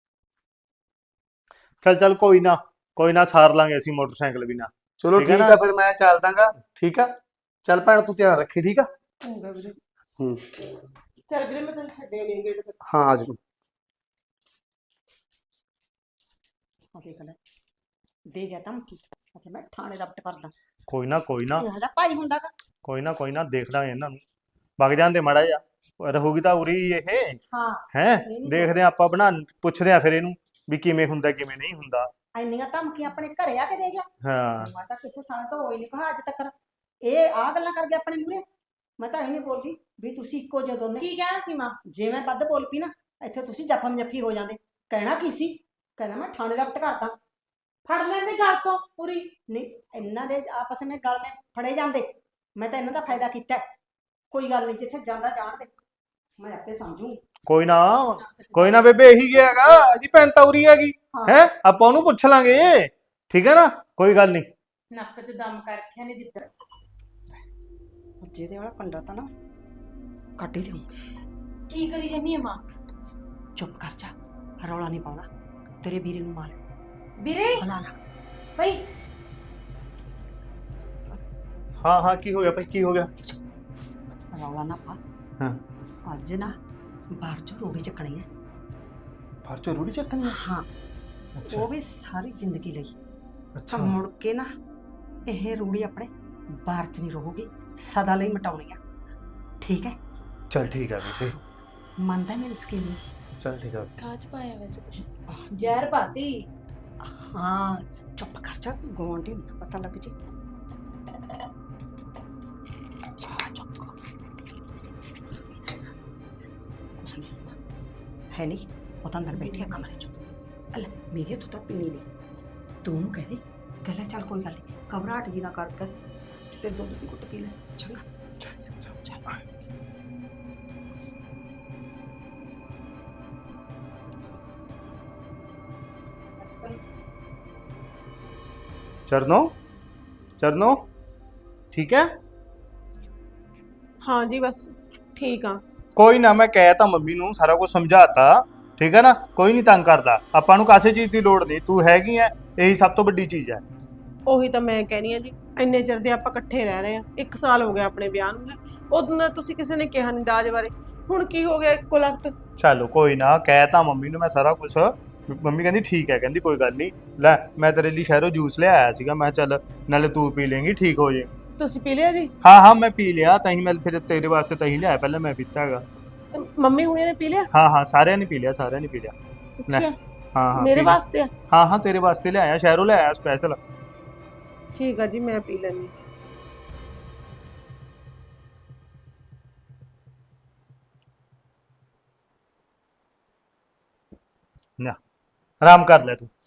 ਚੱਲ ਕੋਈ ਨਾ ਸਾਰ ਲਾਂਗੇ ਅਸੀਂ ਮੋਟਰਸਾਈਕਲ ਵੀ ਨਾ।
ਚਲੋ
ਠੀਕ ਆ
ਠੀਕ
ਨਾ?
ਆ, ਫਿਰ ਮੈਂ ਚੱਲ ਦਾਂਗਾ, ਠੀਕ ਆ। ਚੱਲ ਭੈਣ ਤੂੰ ਧਿਆਨ ਰੱਖੀ, ਠੀਕ ਆ।
ਚੰਗਾ ਵੀਰੇ,
ਹੂੰ,
ਚੱਲ ਵੀਰੇ ਮੈਂ ਤੈਨੂੰ ਛੱਡਿਆ ਨਹੀਂ ਗੇਟ ਤੱਕ।
ਹਾਂ ਆ ਜਾਓ।
ਦੇਖ ਲੈ, ਦੇ ਗਿਆ ਧਮਕੀ, ਕਿ ਮੈਂ ਥਾਣੇ ਦਾ ਪਟ ਕਰਦਾ।
ਕੋਈ ਨਾ
ਇਹ ਦਾ ਭਾਈ ਹੁੰਦਾ ਗਾ।
ਕੋਈ ਨਾ ਦੇਖਦਾ ਇਹਨਾਂ ਨੂੰ, ਵਗ ਜਾਂਦੇ ਮਾੜਾ ਜਿਹਾ ਰਹੂਗੀ ਤਾਂ ਉਰੀ ਇਹ
ਹਾਂ
ਹੈ।
ਇਹ ਨੀ
ਦੇਖਦੇ ਆ ਆਪਾਂ ਪੁੱਛਦੇ ਆ ਫਿਰ ਇਹਨੂੰ ਵੀ ਕਿਵੇਂ ਹੁੰਦਾ ਕਿਵੇਂ ਨਹੀਂ ਹੁੰਦਾ।
ਇੰਨੀਆਂ ਧਮਕੀਆਂ ਆਪਣੇ ਘਰੇ ਆ ਕੇ ਦੇ ਗਿਆ।
ਹਾਂ
ਮੈਂ ਤਾਂ ਕਿਸੇ ਸਾਲ ਤੋਂ ਹੋਈ ਨਹੀਂ ਕਹਾ ਅੱਜ ਤੱਕ, ਇਹ ਆ ਗੱਲਾਂ ਕਰ ਗਿਆ ਆਪਣੇ ਮੂਹਰੇ। ਮੈਂ ਤਾਂ ਇਹ ਨਹੀਂ ਬੋਲਦੀ ਵੀ ਤੁਸੀਂ ਇੱਕੋ ਜਿਹੇ ਦੋਨੇ।
ਕੀ ਕਹਿਣਾ ਸੀ ਮਾਂ?
ਜੇ ਮੈਂ ਵੱਧ ਬੋਲ ਪਈ ਨਾ, ਇੱਥੇ ਤੁਸੀਂ ਜਫਮ ਜੱਫੀ ਹੋ ਜਾਂਦੇ। ਕਹਿਣਾ ਕੀ ਸੀ? ਕਹਿੰਦਾ ਮੈਂ ਥਾਣੇ ਦਾ ਪਟ ਕਰਦਾ।
ਫੜ ਲੈਂਦੇ ਗੱਲ ਤੋਂ ਪੂਰੀ।
ਨਹੀਂ, ਇਹਨਾਂ ਦੇ ਆਪਸ ਵਿੱਚ ਗਲ में ਫੜੇ ਜਾਂਦੇ, ਮੈਂ ਤਾਂ ਇਹਨਾਂ ਦਾ ਫਾਇਦਾ ਕੀਤਾ। ਕੋਈ ਗੱਲ ਨਹੀਂ, ਜਿੱਥੇ ਜਾਂਦਾ ਜਾਣ ਦੇ, ਮੈਂ ਆਪੇ ਸਮਝੂ।
ਕੋਈ ਨਾ ਬੇਬੇ, ਇਹੀ ਗਿਆ ਹੈਗਾ, ਇਹਦੀ ਭੈਣ ਤਾਂ ਉਰੀ ਹੈਗੀ ਹੈ, ਆਪਾਂ ਉਹਨੂੰ ਪੁੱਛ ਲਾਂਗੇ, ਠੀਕ ਹੈ ਨਾ, ਕੋਈ ਗੱਲ ਨਹੀਂ।
ਨੱਕ 'ਚ ਦਮ ਕਰ ਰੱਖਿਆ ਨੇ ਜਿੱਧਰ।
ਜਿਹਦੇ ਵਾਲਾ ਪੰਡਾ ਤਾਂ ਨਾ ਕੱਢ ਹੀ ਦੇਊਂਗੀ।
ਕੀ ਕਰੀ ਜੰਨੀ ਮਾਂ?
ਚੁੱਪ ਕਰ ਜਾ, ਰੌਲਾ ਨਹੀਂ ਪਾਉਣਾ। ਤੇਰੇ ਵੀਰੇ ਨੂੰ ਮਾਰ
ਵੀਰੇ
ਬੁਲਾ ਲਾ।
ਭਾਈ
ਹਾਂ ਕੀ ਹੋ ਗਿਆ ਭਾਈ, ਕੀ ਹੋ ਗਿਆ?
ਰੌਲਾ ਨਾ ਪਾ।
ਹਾਂ,
ਅੱਜ ਨਾ ਬਾਹਰ ਚੋਂ ਰੋੜੀ ਚੱਕਣੀ ਹੈ।
ਬਾਹਰ ਚੋਂ ਰੂੜੀ ਚੱਕਣੀ ਹੈ?
ਹਾਂ,
ਅੱਛਾ
ਉਹ ਵੀ ਸਾਰੀ ਜ਼ਿੰਦਗੀ ਲਈ।
ਅੱਛਾ
ਤਾਂ ਮੁੜ ਕੇ ਨਾ ਇਹ ਰੂੜੀ ਆਪਣੇ ਬਾਹਰ ਚ ਨਹੀਂ ਰਹੂਗੀ, ਸਦਾ ਲਈ ਮਟਾਉਣੀ ਆ, ਠੀਕ ਹੈ?
ਚਲ ਠੀਕ ਹੈ ਬੇਬੇ,
ਮੰਨਦਾ ਮੇਰੀ ਸਕੀਮ ਨੂੰ?
ਚਲ ਠੀਕ ਹੈ।
ਕਾਚ ਪਾਇਆ ਵੈਸੇ ਕੁਛ ਜ਼ਹਿਰ ਪਾਤੀ।
ਹਾਂ, ਚੁੱਪ ਕਰ ਜਾ, ਗਵਾਂਢੀ ਨੂੰ ਨਾ ਪਤਾ ਲੱਗ ਜੇ। ਚੁੱਪ ਕਰ। ਕੁਛ ਨਹੀਂ ਹੁੰਦਾ ਹੈ, ਨਹੀਂ ਉਹ ਤਾਂ ਅੰਦਰ ਬੈਠੀ ਆ ਕਮਰੇ ਚ। ਅੱਲਾ ਮੇਰੀ ਤੋਂ ਤਾਂ ਪੀਣੀ ਨਹੀਂ, ਤੂੰ ਉਹਨੂੰ ਕਹਿ ਲੈ ਚੱਲ ਕੋਈ ਗੱਲ ਨਹੀਂ, ਘਬਰਾਹਟ ਜੀ ਨਾ ਕਰਕੇ ਤੇ ਦੁੱਧ ਦੀ ਘੁੱਟ ਪੀ ਲੈ, ਚੰਗਾ? ਚੱਲ
ਚਰਨੋ ਠੀਕ ਹੈ।
ਹਾਂ ਜੀ ਬਸ ਠੀਕ ਆ।
ਕੋਈ ਨਾ, ਮੈਂ ਕਹਿ ਤਾ ਮੰਮੀ ਨੂੰ, ਸਾਰਾ ਕੁਝ ਸਮਝਾਤਾ, ਠੀਕ ਹੈ ਨਾ। ਕੋਈ ਨਹੀਂ ਤੰਗ ਕਰਦਾ, ਆਪਾਂ ਨੂੰ ਕਾਸੇ ਚੀਜ਼ ਦੀ ਲੋੜ ਨਹੀਂ, ਤੂੰ ਹੈਗੀ ਐ, ਇਹੀ ਸਭ ਤੋਂ ਵੱਡੀ ਚੀਜ਼ ਹੈ।
ਉਹੀ ਤਾਂ ਮੈਂ ਕਹਿਣੀ ਆ ਜੀ, ਇੰਨੇ ਚਿਰ ਦੇ ਆਪਾਂ ਇਕੱਠੇ ਰਹਿ ਰਹੇ ਆ, 1 ਸਾਲ ਹੋ ਗਿਆ ਆਪਣੇ ਵਿਆਹ ਨੂੰ। ਉਦੋਂ ਦਾ ਤੁਸੀਂ ਕਿਸੇ ਨੇ ਕਿਹਾ ਨਹੀਂ ਦਾਜ ਬਾਰੇ, ਹੁਣ ਕੀ ਹੋ ਗਿਆ ਇੱਕੋ ਲਖਤ?
ਚਲੋ ਕੋਈ ਨਾ, ਕਹਿ ਤਾ ਮੰਮੀ ਨੂੰ ਮੈਂ ਸਾਰਾ ਕੁਝ। ਮੰਮੀ ਕਹਿੰਦੀ ਠੀਕ ਹੈ, ਕਹਿੰਦੀ ਕੋਈ ਗੱਲ ਨਹੀਂ। ਲੈ ਮੈਂ ਤੇਰੇ ਲਈ ਸ਼ਹਿਰੋਂ ਜੂਸ ਲਿਆਇਆ ਸੀਗਾ, ਮੈਂ ਚੱਲ ਨਾਲੇ ਤੂੰ ਪੀ ਲੇਂਗੀ, ਠੀਕ ਹੋ ਜੇ।
ਤੁਸੀਂ ਪੀ ਲਿਆ ਜੀ?
ਹਾਂ ਮੈਂ ਪੀ ਲਿਆ, ਤਾਂ ਹੀ ਮੈਂ ਫਿਰ ਤੇਰੇ ਵਾਸਤੇ ਤਾਂ ਹੀ ਲਿਆਇਆ, ਪਹਿਲਾਂ ਮੈਂ ਪੀਤਾ ਹੈਗਾ।
ਮੰਮੀ ਹੁਣੇ ਨੇ ਪੀ ਲਿਆ?
ਹਾਂ ਸਾਰਿਆਂ ਨੇ ਪੀ ਲਿਆ, ਸਾਰਿਆਂ ਨੇ ਪੀ ਲਿਆ। ਲੈ
ਅੱਛਾ,
ਹਾਂ
ਮੇਰੇ
ਪੀ ਲਿਆ।
ਵਾਸਤੇ ਆ?
ਹਾਂ ਤੇਰੇ ਵਾਸਤੇ ਲਿਆਇਆ, ਸ਼ਹਿਰੋਂ ਲਿਆਇਆ ਸਪੈਸ਼ਲ।
ਠੀਕ ਆ ਜੀ, ਮੈਂ ਪੀ ਲੈਂਦੀ।
ਨਾ ਆਰਾਮ ਕਰ ਲੈ ਤੂੰ।